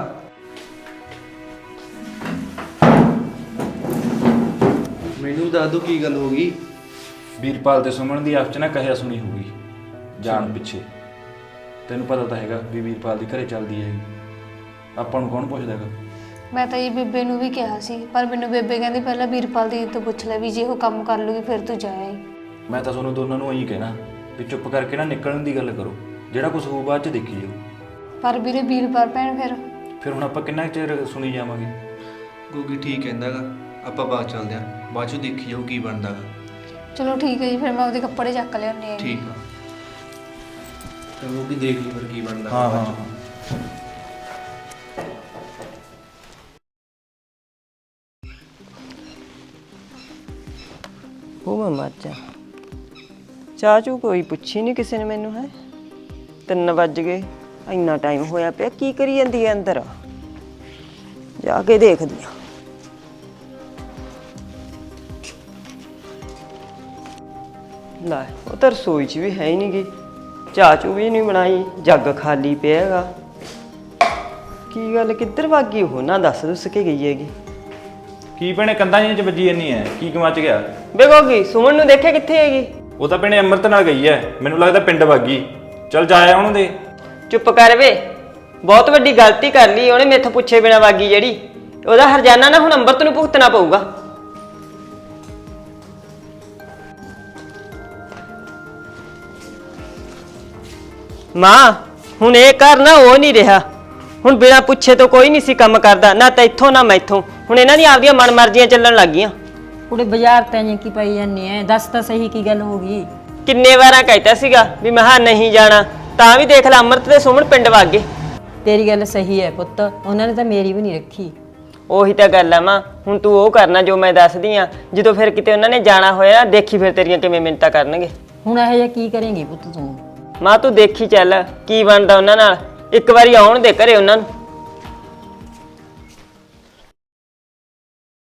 [SPEAKER 3] ਮੈਨੂੰ ਦੱਸ ਦੋ ਕੀ ਗੱਲ ਹੋ ਗਈ।
[SPEAKER 2] ਵੀਰਪਾਲ ਤੇ ਸੁਮਨ ਦੀ ਆਪਸ ਚ ਨਾ ਕਹਿਆ ਸੁਣੀ ਹੋਊਗੀ ਜਾਣ ਪਿੱਛੇ। ਤੈਨੂੰ ਪਤਾ ਤਾਂ ਹੈਗਾ ਵੀ ਵੀਰਪਾਲ ਦੀ ਘਰੇ ਚੱਲਦੀ ਹੈਗੀ, ਆਪਾਂ ਨੂੰ ਕੌਣ ਪੁੱਛਦਾ ਹੈਗਾ?
[SPEAKER 5] ਮੈਂ ਤਾਂ ਇਹ ਬੇਬੇ ਨੂੰ ਵੀ ਕਿਹਾ ਸੀ, ਪਰ ਮੈਨੂੰ ਬੇਬੇ ਕਹਿੰਦੀ ਪਹਿਲਾਂ ਵੀਰਪਾਲ ਦੀਦੀ ਤੋਂ ਪੁੱਛ ਲੈ, ਵੀ ਜੇ ਉਹ ਕੰਮ ਕਰ ਲੂਗੀ ਫਿਰ ਤੂੰ ਜਾਏ।
[SPEAKER 2] ਮੈਂ ਤਾਂ ਤੁਹਾਨੂੰ ਦੋਨਾਂ ਨੂੰ ਇਹੀ ਕਹਿਣਾ ਵੀ ਚੁੱਪ ਕਰਕੇ ਨਾ ਨਿਕਲਣ ਦੀ ਗੱਲ ਕਰੋ, ਜਿਹੜਾ ਕੁਝ ਹੋਊ ਬਾਅਦ ਚ ਦੇਖੀ ਜਾਓ।
[SPEAKER 5] ਪਰ ਵੀਰੇ ਵੀਰਪਾਲ ਭੈਣ
[SPEAKER 2] ਫਿਰ ਹੁਣ ਆਪਾਂ ਕਿੰਨਾ ਚਿਰ ਸੁਣੀ ਜਾਵਾਂਗੇ?
[SPEAKER 3] ਗੋਗੀ ਠੀਕ ਕਹਿੰਦਾਗਾ, ਆਪਾਂ ਬਾਅਦ ਚੱਲਦੇ ਆਂ, ਬਾਅਦ ਚੋਂ ਦੇਖੀ ਜਾਊ ਕੀ ਬਣਦਾਗਾ।
[SPEAKER 5] ਚਲੋ ਠੀਕ ਹੈ ਜੀ, ਫਿਰ ਮੈਂ ਉਹਦੇ ਕੱਪੜੇ ਚੱਕ ਲਿਆਉਂਦੀ ਹਾਂ।
[SPEAKER 3] ਠੀਕ ਆ, ਤੇ ਗੋਗੀ ਦੇਖ ਲਈ ਫਿਰ ਕੀ ਬਣਦਾ।
[SPEAKER 6] ਹਾਂ ਹਾਂ
[SPEAKER 1] ਉਹ ਮੈਂ ਮਰ ਜਾ, ਚਾਚੂ ਕੋਈ ਪੁੱਛੀ ਨਹੀਂ ਕਿਸੇ ਨੇ ਮੈਨੂੰ। ਹੈ 3 ਵੱਜ ਗਏ, ਇੰਨਾ ਟਾਈਮ ਹੋਇਆ ਪਿਆ, ਕੀ ਕਰੀ ਜਾਂਦੀ ਹੈ ਅੰਦਰ? ਜਾ ਕੇ ਦੇਖਦੀ ਆ। ਲੈ ਉਹ ਤਾਂ ਰਸੋਈ 'ਚ ਵੀ ਹੈ ਹੀ ਨਹੀਂ ਗੀ, ਚਾਚੂ ਵੀ ਨਹੀਂ ਬਣਾਈ, ਜੱਗ ਖਾਲੀ ਪਿਆ ਹੈਗਾ। ਕੀ ਗੱਲ ਕਿੱਧਰ ਵਾਗੀ ਉਹ? ਨਾ ਦੱਸ ਕੇ ਗਈ ਹੈਗੀ।
[SPEAKER 2] ਕੀ ਭੈਣੇ ਕੰਧਾਂ ਜਿਹੀਆਂ ਚ ਵੱਜੀ ਜਾਂਦੀ ਐ, ਕੀ ਕਮਚ ਗਿਆ?
[SPEAKER 1] ਬੇਗੋਗੀ ਸੁਮਨ ਨੂੰ ਦੇਖਿਆ ਕਿੱਥੇ ਹੈਗੀ?
[SPEAKER 2] ਉਹ ਤਾਂ ਭੈਣੇ ਅੰਮ੍ਰਿਤ ਨਾਲ ਗਈ ਐ, ਮੈਨੂੰ ਲੱਗਦਾ ਪਿੰਡ ਵਾਗੀ। ਚੱਲ ਜਾਇਆ ਉਹਨਾਂ ਦੇ।
[SPEAKER 1] ਚੁੱਪ ਕਰ ਵੇ, ਬਹੁਤ ਵੱਡੀ ਗਲਤੀ ਕਰ ਲਈ ਉਹਨੇ, ਮੈਥੋਂ ਪੁੱਛੇ ਬਿਨਾ ਵਾਗੀ ਜਿਹੜੀ। ਉਹਦਾ ਹਰਜਾਨਾ ਨਾ ਹੁਣ ਅੰਮ੍ਰਿਤ ਨੂੰ ਭੁਗਤਣਾ ਪਊਗਾ। ਮਾਂ ਹੁਣ ਇਹ ਘਰ ਨਾ ਉਹ ਨਹੀਂ ਰਿਹਾ, ਹੁਣ ਬਿਨਾ ਪੁੱਛੇ ਤੋਂ ਕੋਈ ਨਹੀਂ ਸੀ ਕੰਮ ਕਰਦਾ, ਨਾ ਤਾਂ ਇੱਥੋਂ ਨਾ ਮੈਥੋਂ। ਹੁਣ ਇਹਨਾਂ ਦੀਆਂ ਆਪਦੀਆਂ ਮਨਮਰਜ਼ੀਆਂ ਚੱਲਣ ਲੱਗ ਗਈਆਂ।
[SPEAKER 4] ਕੁੜੇ ਬਾਜ਼ਾਰ ਤਾਂ ਜੇ ਕੀ ਪਈ ਜਾਂਦੀ ਐ, ਦੱਸ ਤਾਂ ਸਹੀ ਕੀ ਗੱਲ ਹੋ ਗਈ?
[SPEAKER 1] ਕਿੰਨੇ ਵਾਰਾਂ ਕਹਿਤਾ ਸੀਗਾ ਵੀ ਮੈਂ ਨਹੀਂ ਜਾਣਾ, ਤਾਂ ਵੀ ਦੇਖ ਲੈ ਅੰਮ੍ਰਿਤ ਤੇ ਸੁਮਨ ਪਿੰਡ ਵਗ ਗਏ।
[SPEAKER 4] ਤੇਰੀ ਗੱਲ ਸਹੀ ਹੈ ਪੁੱਤ, ਉਹਨਾਂ ਨੇ ਤਾਂ ਮੇਰੀ ਵੀ ਨਹੀਂ ਰੱਖੀ।
[SPEAKER 1] ਉਹੀ ਤਾਂ ਗੱਲ ਆ ਮਾਂ, ਹੁਣ ਤੂੰ ਉਹ ਕਰਨਾ ਜੋ ਮੈਂ ਦੱਸਦੀ ਆ। ਜਦੋਂ ਫਿਰ ਕਿਤੇ ਉਹਨਾਂ ਨੇ ਜਾਣਾ ਹੋਇਆ, ਦੇਖੀ ਫਿਰ ਤੇਰੀਆਂ ਕਿਵੇਂ ਮਿੰਨਤਾਂ ਕਰਨਗੇ।
[SPEAKER 4] ਹੁਣ ਇਹੋ ਜਿਹਾ ਕੀ ਕਰੇਂਗੀ ਪੁੱਤ ਤੂੰ?
[SPEAKER 1] ਮਾਂ ਤੂੰ ਦੇਖੀ ਚੱਲ ਕੀ ਬਣਦਾ ਉਹਨਾਂ ਨਾਲ, ਇੱਕ ਵਾਰੀ ਆਉਣ ਦੇ ਘਰੇ ਉਹਨਾਂ ਨੂੰ।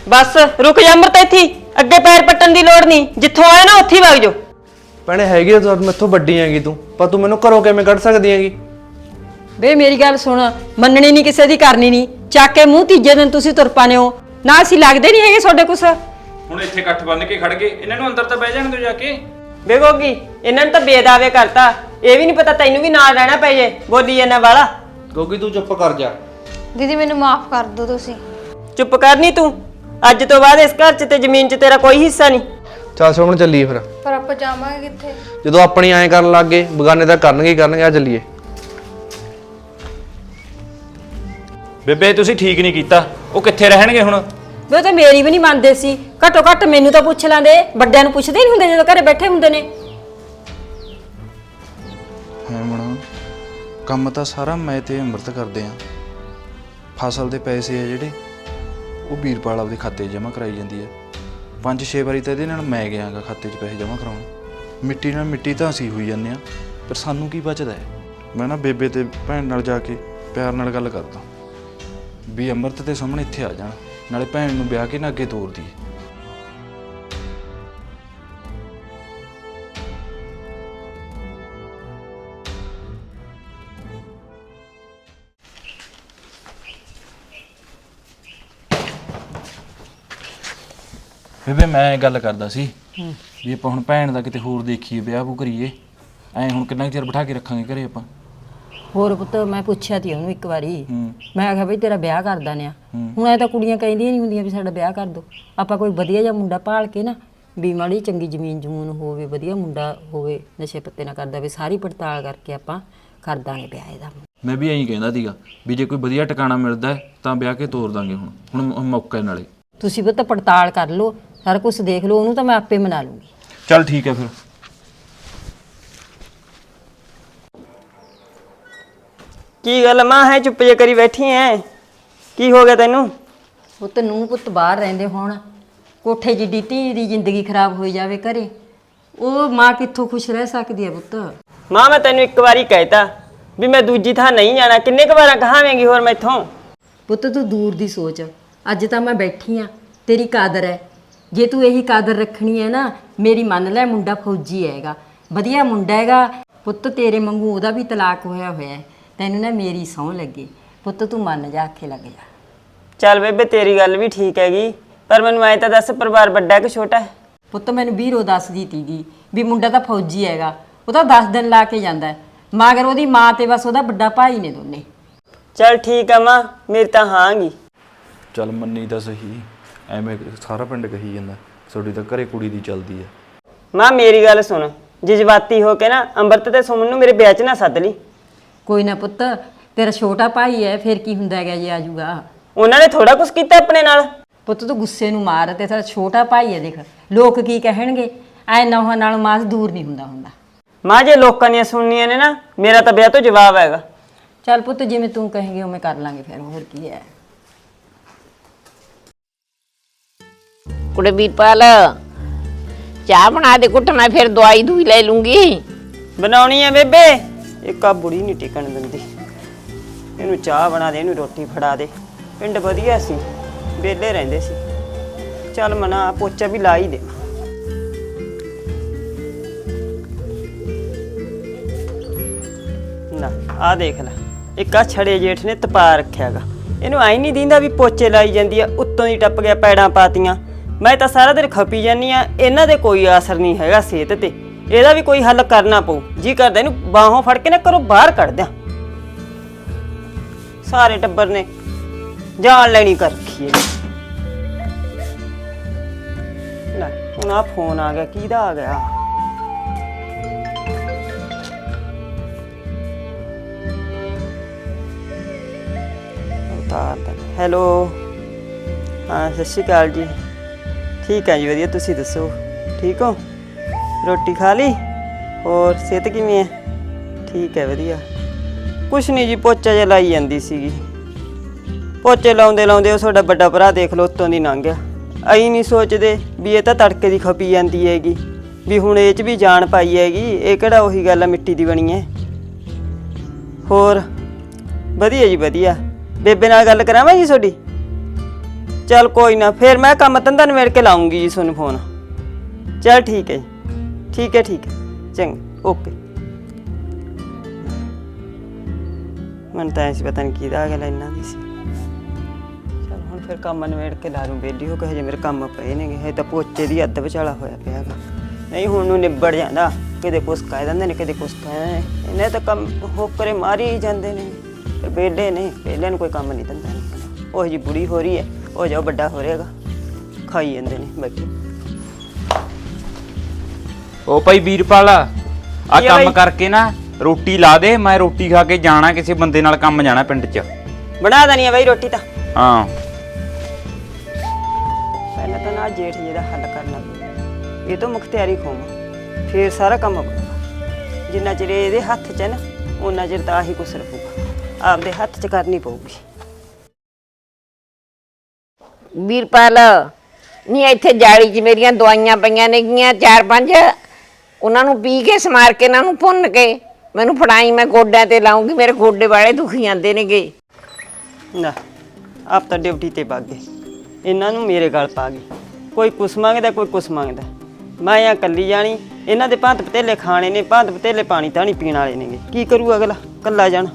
[SPEAKER 1] ਬਸ ਰੁਕ ਜਾ ਅੰਮ੍ਰਿਤ ਇੱਥੇ ਹੀ। ਅੱਗੇ ਪੈਰ ਪੱਟਣ ਦੀ ਲੋੜ ਨਹੀਂ, ਜਿੱਥੋਂ ਆਇਆ ਨਾ ਉੱਥੇ ਹੀ ਵਗ ਜਾਓ।
[SPEAKER 3] ਭੈਣੇ ਹੈਗੀ ਆ, ਤੂੰ ਮੈਥੋਂ ਵੱਡੀ ਹੈਗੀ ਤੂੰ, ਪਰ ਤੂੰ ਮੈਨੂੰ ਘਰੋਂ ਕਿਵੇਂ ਕੱਢ ਸਕਦੀ ਹੈਗੀ?
[SPEAKER 4] ਵੇ ਮੇਰੀ ਗੱਲ ਸੁਣ, ਮੰਨਣੀ ਨਹੀਂ ਕਿਸੇ ਦੀ, ਕਰਨੀ ਨਹੀਂ। ਚੱਕ ਕੇ ਮੂੰਹ ਤੀਜੇ ਦਿਨ ਤੁਸੀਂ ਤੁਰ ਪਾਨੇ ਹੋ ਨਾ, ਅਸੀਂ ਲੱਗਦੇ ਨਹੀਂ ਹੈਗੇ ਤੁਹਾਡੇ ਕੁਛ।
[SPEAKER 2] ਹੁਣ ਇੱਥੇ ਇਕੱਠ ਬੰਨ ਕੇ ਖੜ ਗਏ, ਇਹਨਾਂ ਨੂੰ ਅੰਦਰ ਤਾਂ ਬਹਿ ਜਾਣ ਦਿਓ ਜਾ ਕੇ।
[SPEAKER 1] ਬੇਗੋਗੀ ਇਹਨਾਂ ਨੇ ਤਾਂ ਬੇਦਾਵੇ ਕਰਤਾ, ਇਹ ਵੀ ਨਹੀਂ ਪਤਾ ਤੈਨੂੰ ਵੀ ਨਾਲ ਰਹਿਣਾ ਪੈ ਜੇ। ਬੋਲੀ ਇਹਨਾਂ ਵਾਲਾ।
[SPEAKER 3] ਗੋਗੀ ਤੂੰ ਚੁੱਪ ਕਰ ਜਾ।
[SPEAKER 5] ਦੀਦੀ ਮੈਨੂੰ ਮਾਫ ਕਰ ਦਿਓ ਤੁਸੀਂ।
[SPEAKER 1] ਚੁੱਪ ਕਰਨੀ ਤੂੰ, ਅੱਜ ਤੋਂ ਬਾਅਦ ਇਸ ਘਰ 'ਚ ਤੇ ਜ਼ਮੀਨ 'ਚ ਤੇਰਾ ਕੋਈ ਹਿੱਸਾ ਨਹੀਂ।
[SPEAKER 3] ਚੱਲ ਸੁਣ ਚੱਲੀਏ ਫਿਰ।
[SPEAKER 5] ਪਰ ਆਪਾਂ ਜਾਵਾਂਗੇ ਕਿੱਥੇ?
[SPEAKER 3] ਜਦੋਂ ਆਪਣੀ ਐਂ ਕਰਨ ਲੱਗ ਗਏ, ਬਗਾਨੇ ਤਾਂ ਕਰਨਗੇ ਹੀ ਕਰਨਗੇ। ਆ ਚੱਲੀਏ।
[SPEAKER 2] ਬੇਬੇ ਤੁਸੀਂ ਠੀਕ ਨਹੀਂ ਕੀਤਾ, ਉਹ ਕਿੱਥੇ ਰਹਿਣਗੇ ਹੁਣ?
[SPEAKER 4] ਵੇ ਉਹ ਤਾਂ ਮੇਰੀ ਵੀ ਨਹੀਂ ਮੰਨਦੇ ਸੀ। ਘੱਟੋ ਘੱਟ ਮੈਨੂੰ ਤਾਂ ਪੁੱਛ ਲੈਂਦੇ, ਵੱਡਿਆਂ ਨੂੰ ਪੁੱਛਦੇ ਨਹੀਂ ਹੁੰਦੇ ਜਦੋਂ ਘਰੇ ਬੈਠੇ ਹੁੰਦੇ ਨੇ।
[SPEAKER 6] ਹੈ ਮਣਾ, ਕੰਮ ਤਾਂ ਸਾਰਾ ਮੈਂ ਤੇ ਅੰਮ੍ਰਿਤ ਕਰਦੇ ਆ। ਫਸਲ ਦੇ ਪੈਸੇ ਆ ਜਿਹੜੇ, ਉਹ ਵੀਰਪਾਲ ਆਪਦੇ ਖਾਤੇ 'ਚ ਜਮ੍ਹਾਂ ਕਰਾਈ ਜਾਂਦੀ ਹੈ। 5-6 ਵਾਰੀ ਤਾਂ ਇਹਦੇ ਨਾਲ ਮੈਂ ਗਿਆਗਾ ਖਾਤੇ 'ਚ ਪੈਸੇ ਜਮ੍ਹਾਂ ਕਰਾਉਣ। ਮਿੱਟੀ ਨਾਲ ਮਿੱਟੀ ਤਾਂ ਅਸੀਂ ਹੋਈ ਜਾਂਦੇ ਆ, ਪਰ ਸਾਨੂੰ ਕੀ ਬਚਦਾ ਹੈ? ਮੈਂ ਨਾ ਬੇਬੇ ਤੇ ਭੈਣ ਨਾਲ ਜਾ ਕੇ ਪਿਆਰ ਨਾਲ ਗੱਲ ਕਰਦਾ ਵੀ ਅੰਮ੍ਰਿਤ ਤੇ ਸਾਹਮਣੇ ਇੱਥੇ ਆ ਜਾਣ, ਨਾਲੇ ਭੈਣ ਨੂੰ ਵਿਆਹ ਕੇ ਨਾ ਅੱਗੇ ਤੋਰ ਦੀ।
[SPEAKER 2] ਬੇਬੇ ਮੈਂ ਗੱਲ ਕਰਦਾ ਸੀ ਵੀ ਆਪਾਂ ਹੁਣ ਭੈਣ ਦਾ ਕਿਤੇ ਹੋਰ ਦੇਖੀਏ, ਵਿਆਹ ਵੂ ਕਰੀਏ। ਐਂ ਹੁਣ ਕਿੰਨਾ ਕੁ ਚਿਰ ਬਿਠਾ ਕੇ ਰੱਖਾਂਗੇ ਘਰੇ ਆਪਾਂ?
[SPEAKER 4] ਹੋਰ ਪੁੱਤ ਮੈਂ ਪੁੱਛਿਆ ਤੀ ਉਹਨੂੰ ਇੱਕ ਵਾਰੀ,
[SPEAKER 2] ਹੂੰ।
[SPEAKER 4] ਮੈਂ ਆਖਿਆ ਬਈ ਤੇਰਾ ਵਿਆਹ ਕਰ ਦਾਨੇ ਆ। ਹੁਣ ਐ ਤਾਂ ਕੁੜੀਆਂ ਕਹਿੰਦੀਆਂ ਨਹੀਂ ਹੁੰਦੀਆਂ ਵੀ ਸਾਡਾ ਵਿਆਹ ਕਰ ਦੋ। ਆਪਾਂ ਕੋਈ ਵਧੀਆ ਜਿਹਾ ਮੁੰਡਾ ਭਾਲ ਕੇ ਨਾ, ਵੀ ਮਾੜੀ ਚੰਗੀ ਜ਼ਮੀਨ ਜਮੂਨ ਹੋਵੇ, ਵਧੀਆ ਮੁੰਡਾ ਹੋਵੇ, ਨਸ਼ੇ ਪੱਤੇ ਨਾ ਕਰਦਾ ਹੋਵੇ, ਸਾਰੀ ਪੜਤਾਲ ਕਰਕੇ ਆਪਾਂ ਕਰ ਦਾਂਗੇ ਵਿਆਹ ਇਹਦਾ।
[SPEAKER 2] ਮੈਂ ਵੀ ਐਂ ਕਹਿੰਦਾ ਸੀਗਾ ਵੀ ਜੇ ਕੋਈ ਵਧੀਆ ਟਿਕਾਣਾ ਮਿਲਦਾ ਹੈ ਤਾਂ ਵਿਆਹ ਕੇ ਤੋਰ ਦਾਂਗੇ। ਹੁਣ ਮੌਕੇ ਨਾਲੇ
[SPEAKER 4] ਤੁਸੀਂ ਪੁੱਤ ਪੜਤਾਲ ਕਰ ਲਓ, ਸਾਰਾ ਕੁਝ ਦੇਖ ਲਓ, ਉਹਨੂੰ ਤਾਂ ਮੈਂ ਆਪੇ ਮਨਾ ਲੂੰਗੀ।
[SPEAKER 2] ਚੱਲ ਠੀਕ ਹੈ ਫਿਰ।
[SPEAKER 1] ਕੀ ਗੱਲ ਮਾਂ ਹੈ ਚੁੱਪ ਜੇ ਕਰੀ ਬੈਠੀ ਐ? ਕੀ ਹੋ ਗਿਆ ਤੈਨੂੰ?
[SPEAKER 4] ਪੁੱਤ ਨੂੰ ਪੁੱਤ ਬਾਹਰ ਰਹਿੰਦੇ ਹੋਣ, ਕੋਠੇ ਜਿੱਡੀ ਧੀ ਦੀ ਜ਼ਿੰਦਗੀ ਖਰਾਬ ਹੋਈ ਜਾਵੇ ਘਰੇ, ਉਹ ਮਾਂ ਕਿੱਥੋਂ ਖੁਸ਼ ਰਹਿ ਸਕਦੀ ਹੈ ਪੁੱਤ?
[SPEAKER 1] ਮਾਂ ਮੈਂ ਤੈਨੂੰ ਇੱਕ ਵਾਰੀ ਕਹਿਤਾ ਵੀ ਮੈਂ ਦੂਜੀ ਥਾਂ ਨਹੀਂ ਜਾਣਾ, ਕਿੰਨੇ ਕੁ ਵਾਰਾਂ ਕਹਾਵੇਂਗੀ ਹੋਰ ਮੈਥੋਂ?
[SPEAKER 4] ਪੁੱਤ ਤੂੰ ਦੂਰ ਦੀ ਸੋਚ, ਅੱਜ ਤਾਂ ਮੈਂ ਬੈਠੀ ਆ, ਤੇਰੀ ਕਾਦਰ ਹੈ। ਜੇ ਤੂੰ ਇਹੀ ਕਾਦਰ ਰੱਖਣੀ ਹੈ ਨਾ, ਮੇਰੀ ਮੰਨ ਲੈ, ਮੁੰਡਾ ਫੌਜੀ ਹੈਗਾ, ਵਧੀਆ ਮੁੰਡਾ ਹੈਗਾ ਪੁੱਤ, ਤੇਰੇ ਵਾਂਗੂ ਉਹਦਾ ਵੀ ਤਲਾਕ ਹੋਇਆ ਹੈ। ਤੈਨੂੰ ਨਾ ਮੇਰੀ ਸਹੁੰ ਲੱਗੇ ਪੁੱਤ, ਤੂੰ ਮੰਨ ਜਾ, ਆਖੇ ਲੱਗ ਜਾ।
[SPEAKER 1] ਚੱਲ ਬੇਬੇ ਤੇਰੀ ਗੱਲ ਵੀ ਠੀਕ ਹੈਗੀ, ਪਰ ਮੈਨੂੰ ਐਂ ਤਾਂ ਦੱਸ ਪਰਿਵਾਰ ਵੱਡਾ ਕਿ ਛੋਟਾ ਹੈ?
[SPEAKER 4] ਪੁੱਤ ਮੈਨੂੰ ਵੀਰੋ ਦੱਸਦੀ ਤੀਗੀ ਵੀ ਮੁੰਡਾ ਤਾਂ ਫੌਜੀ ਹੈਗਾ, ਉਹ ਤਾਂ 10 ਦਿਨ ਲਾ ਕੇ ਜਾਂਦਾ, ਮਗਰ ਉਹਦੀ ਮਾਂ ਤੇ ਬਸ ਉਹਦਾ ਵੱਡਾ ਭਾਈ ਨੇ ਦੋਨੇ।
[SPEAKER 1] ਚੱਲ ਠੀਕ ਆ ਮਾਂ, ਮੇਰੀ ਤਾਂ ਹਾਂਗੀ।
[SPEAKER 6] ਚੱਲ ਮੰਨੀ ਤਾਂ ਸਹੀ, ਐਵੇਂ ਸਾਰਾ ਪਿੰਡ ਕਹੀ ਜਾਂਦਾ ਤੁਹਾਡੀ ਤਾਂ ਘਰੇ ਕੁੜੀ ਦੀ ਚੱਲਦੀ ਹੈ।
[SPEAKER 1] ਮਾਂ ਮੇਰੀ ਗੱਲ ਸੁਣ, ਜਜ਼ਬਾਤੀ ਹੋ ਕੇ ਨਾ ਅੰਮ੍ਰਿਤ ਤੇ ਸੁਮਨ ਨੂੰ ਮੇਰੇ ਵਿਆਹ 'ਚ ਨਾ ਸੱਦ ਲਈ।
[SPEAKER 4] ਕੋਈ ਨਾ ਪੁੱਤ, ਤੇਰਾ ਛੋਟਾ ਭਾਈ ਹੈ, ਫਿਰ ਕੀ ਹੁੰਦਾ ਹੈਗਾ ਜੇ ਆਜੂਗਾ।
[SPEAKER 1] ਉਹਨਾਂ ਨੇ ਥੋੜਾ ਕੁਝ ਕੀਤਾ ਆਪਣੇ ਨਾਲ।
[SPEAKER 4] ਪੁੱਤ ਤੂੰ ਗੁੱਸੇ ਨੂੰ ਮਾਰ, ਤੇ ਤੇਰਾ ਛੋਟਾ ਭਾਈ ਹੈ, ਦੇਖ ਲੋਕ ਕੀ ਕਹਿਣਗੇ, ਐ ਨੌਹਾਂ ਨਾਲ ਮਾਸ ਦੂਰ ਨਹੀਂ ਹੁੰਦਾ।
[SPEAKER 1] ਮਾਂ ਜੇ ਲੋਕਾਂ ਦੀਆਂ ਸੁਣਨੀਆਂ ਨੇ ਨਾ, ਮੇਰਾ ਤਾਂ ਵਿਆਹ ਤੋਂ ਜਵਾਬ ਹੈਗਾ।
[SPEAKER 4] ਚੱਲ ਪੁੱਤ ਜਿਵੇਂ ਤੂੰ ਕਹੇਂਗੇ ਉਵੇਂ ਕਰ ਲਾਂਗੇ, ਫਿਰ ਹੋਰ ਕੀ ਹੈ।
[SPEAKER 7] ਕੁੜੇ ਵੀਰਪਾਲ, ਚਾਹ ਬਣਾ ਦੇ ਘੁੱਟ, ਮੈਂ ਫਿਰ ਦਵਾਈ ਦੂਈ ਲੈ ਲੂੰਗੀ।
[SPEAKER 1] ਬਣਾਉਣੀ ਆ ਬੇਬੇ, ਇੱਕ ਆ ਬੁੜੀ ਨਹੀਂ ਟਿਕਣ ਦਿੰਦੀ। ਇਹਨੂੰ ਚਾਹ ਬਣਾ ਦੇ, ਇਹਨੂੰ ਰੋਟੀ ਫੜਾ ਦੇ। ਪਿੰਡ ਵਧੀਆ ਸੀ, ਵਿਹਲੇ ਰਹਿੰਦੇ ਸੀ। ਚੱਲ ਮਨਾ ਪੋਚਾ ਵੀ ਲਾ ਹੀ ਦੇ। ਨਾ ਆ ਦੇਖ ਲੈ, ਇੱਕ ਆ ਛੜੇ ਜੇਠ ਨੇ ਤਪਾ ਰੱਖਿਆਗਾ। ਇਹਨੂੰ ਆਈ ਨਹੀਂ ਦਿੰਦਾ ਵੀ ਪੋਚੇ ਲਾਈ ਜਾਂਦੀ ਆ, ਉੱਤੋਂ ਦੀ ਟੱਪ ਗਿਆ, ਪੈੜਾਂ ਪਾਤੀਆਂ। ਮੈਂ ਤਾਂ ਸਾਰਾ ਦਿਨ ਖਪੀ ਜਾਂਦੀ ਆ, ਇਹਨਾਂ ਦੇ ਕੋਈ ਅਸਰ ਨਹੀਂ ਹੈਗਾ ਸਿਹਤ ਤੇ। ਇਹਦਾ ਵੀ ਕੋਈ ਹੱਲ ਕਰਨਾ ਪਊ। ਜੀ ਕਰਦਾ ਇਹਨੂੰ ਬਾਹੋਂ ਫੜ ਕੇ ਨਾ ਘਰੋਂ ਬਾਹਰ ਕੱਢ ਦਿਆਂ। ਸਾਰੇ ਟੱਬਰ ਨੇ ਜਾਨ ਲੈਣੀ ਕਰ ਰੱਖੀ ਹੈ। ਲੈ ਹੁਣ ਆ ਫੋਨ ਆ ਗਿਆ, ਕਿਹਦਾ ਆ ਗਿਆ? ਹੈਲੋ, ਹਾਂ ਸਤਿ ਸ਼੍ਰੀ ਅਕਾਲ ਜੀ। ਠੀਕ ਹੈ ਜੀ, ਵਧੀਆ, ਤੁਸੀਂ ਦੱਸੋ ਠੀਕ ਹੋ? ਰੋਟੀ ਖਾ ਲਈ? ਹੋਰ ਸਿਹਤ ਕਿਵੇਂ ਹੈ? ਠੀਕ ਹੈ, ਵਧੀਆ। ਕੁਛ ਨਹੀਂ ਜੀ, ਪੋਚਾ ਜਿਹਾ ਲਾਈ ਜਾਂਦੀ ਸੀਗੀ। ਪੋਚੇ ਲਾਉਂਦੇ ਲਾਉਂਦੇ ਉਹ ਤੁਹਾਡਾ ਵੱਡਾ ਭਰਾ ਦੇਖ ਲਓ ਉੱਤੋਂ ਦੀ ਲੰਘ ਗਿਆ। ਅਸੀਂ ਨਹੀਂ ਸੋਚਦੇ ਵੀ ਇਹ ਤਾਂ ਤੜਕੇ ਦੀ ਖਪੀ ਜਾਂਦੀ ਹੈਗੀ, ਵੀ ਹੁਣ ਇਹ 'ਚ ਵੀ ਜਾਨ ਪਾਈ ਹੈਗੀ। ਇਹ ਕਿਹੜਾ ਉਹੀ ਗੱਲ ਆ ਮਿੱਟੀ ਦੀ ਬਣੀ ਹੈ। ਹੋਰ ਵਧੀਆ ਜੀ, ਵਧੀਆ। ਬੇਬੇ ਨਾਲ ਗੱਲ ਕਰਾਵਾਂ ਜੀ ਤੁਹਾਡੀ? ਚੱਲ ਕੋਈ ਨਾ, ਫਿਰ ਮੈਂ ਕੰਮ ਧੰਦਾ ਨਿਬੇੜ ਕੇ ਲਾਉਂਗੀ ਜੀ ਤੁਹਾਨੂੰ ਫੋਨ। ਚੱਲ ਠੀਕ ਹੈ ਜੀ, ਠੀਕ ਹੈ ਚੰਗਾ, ਓਕੇ। ਮੈਨੂੰ ਤਾਂ ਐਸੀ ਪਤਾ ਨਹੀਂ ਕਿਹਦਾ ਗੱਲ ਇਹਨਾਂ ਦੀ ਸੀ। ਚੱਲ ਹੁਣ ਫਿਰ ਕੰਮ ਨਿਬੇੜ ਕੇ ਲਾ ਲੂੰ, ਵਿਹਲੀ ਹੋ ਕੇ। ਹਜੇ ਮੇਰੇ ਕੰਮ ਪਏ ਨੇਗੇ, ਹਜੇ ਤਾਂ ਪੋਚੇ ਦੀ ਅੱਧ ਵਿਚਾਲਾ ਹੋਇਆ ਪਿਆ ਗਾ। ਨਹੀਂ ਹੁਣ ਨੂੰ ਨਿਬੜ ਜਾਂਦਾ, ਕਿਤੇ ਕੁਛ ਕਹਿ ਦਿੰਦੇ ਨੇ, ਕਿਤੇ ਕੁਛ ਕਹਿ ਦਿੰਦੇ ਨੇ। ਇਹਨੇ ਤਾਂ ਕੰਮ ਹੋਕਰੇ ਮਾਰੀ ਹੀ ਜਾਂਦੇ ਨੇ। ਵਿਹਲੇ ਨੇ, ਵਿਹਲਿਆਂ ਨੂੰ ਕੋਈ ਕੰਮ ਨਹੀਂ ਦਿੰਦਾ ਨਹੀਂ। ਉਹ ਜੀ ਬੁੜੀ ਹੋ ਰਹੀ ਹੈ, ਉਹ ਜਾਓ ਵੱਡਾ ਹੋ ਰਿਹਾਗਾ, ਖਾਈ ਜਾਂਦੇ ਨੇ ਬੈਠੇ।
[SPEAKER 8] ਉਹ ਭਾਈ ਵੀਰਪਾਲ ਆ
[SPEAKER 1] ਕੀ ਆ
[SPEAKER 8] ਕੰਮ
[SPEAKER 1] ਬਾਈ?
[SPEAKER 8] ਕਰਕੇ ਨਾ ਰੋਟੀ ਲਾ ਦੇ, ਮੈਂ ਰੋਟੀ ਖਾ ਕੇ ਜਾਣਾ, ਕਿਸੇ ਬੰਦੇ ਨਾਲ ਕੰਮ ਜਾਣਾ ਪਿੰਡ 'ਚ।
[SPEAKER 1] ਬਣਾ ਦੇਣੀ ਆ ਬਈ ਰੋਟੀ ਤਾਂ।
[SPEAKER 8] ਹਾਂ
[SPEAKER 1] ਪਹਿਲਾਂ ਤਾਂ ਨਾ ਜੇਠ ਜੀ ਦਾ ਹੱਲ ਕਰਨਾ ਪਊ, ਇਹ ਤੋਂ ਮੁਖਤਿਆਰੀ ਖੋਵਾਂ, ਫਿਰ ਸਾਰਾ ਕੰਮ ਬਣੂਗਾ। ਜਿੰਨਾ ਚਿਰ ਇਹਦੇ ਹੱਥ 'ਚ ਹੈ ਨਾ, ਉਹਨਾਂ ਚਿਰ ਤਾਂ ਆਹੀ ਕੁਛ ਰੱਖੂਗਾ, ਆਪਦੇ ਹੱਥ 'ਚ ਕਰਨੀ ਪਊਗੀ।
[SPEAKER 7] ਵੀਰਪਾਲ ਨਹੀਂ, ਇੱਥੇ ਜਾਲੀ 'ਚ ਮੇਰੀਆਂ ਦਵਾਈਆਂ ਪਈਆਂ ਨੇਗੀਆਂ 4-5, ਉਹਨਾਂ ਨੂੰ ਪੀ ਕੇ ਸਮਾਰ ਕੇ ਇਹਨਾਂ ਨੂੰ ਭੁੰਨ ਕੇ ਮੈਨੂੰ ਫੜਾਈ, ਮੈਂ ਗੋਡਿਆਂ ਤੇ ਲਾਉਂਗੀ, ਮੇਰੇ ਗੋਡੇ ਵਾਲੇ ਦੁਖੀ ਜਾਂਦੇ ਨੇਗੇ।
[SPEAKER 1] ਨਾ ਆਪ ਤਾਂ ਡਿਊਟੀ ਤੇ ਵਗ ਗਏ, ਇਹਨਾਂ ਨੂੰ ਮੇਰੇ ਗਲ ਪਾ ਗਏ। ਕੋਈ ਕੁਛ ਮੰਗਦਾ, ਕੋਈ ਕੁਛ ਮੰਗਦਾ। ਮੈਂ ਆ ਕੱਲੀ ਜਾਣੀ, ਇਹਨਾਂ ਦੇ ਭਾਂਤ ਪਤੇਲੇ ਖਾਣੇ ਨੇ, ਭਾਂਤ ਪਤੇਲੇ ਪਾਣੀ ਤਾਂ ਨਹੀਂ ਪੀਣ ਵਾਲੇ ਨੇਗੇ। ਕੀ ਕਰੂ ਅਗਲਾ ਕੱਲਾ ਜਾਣਾ।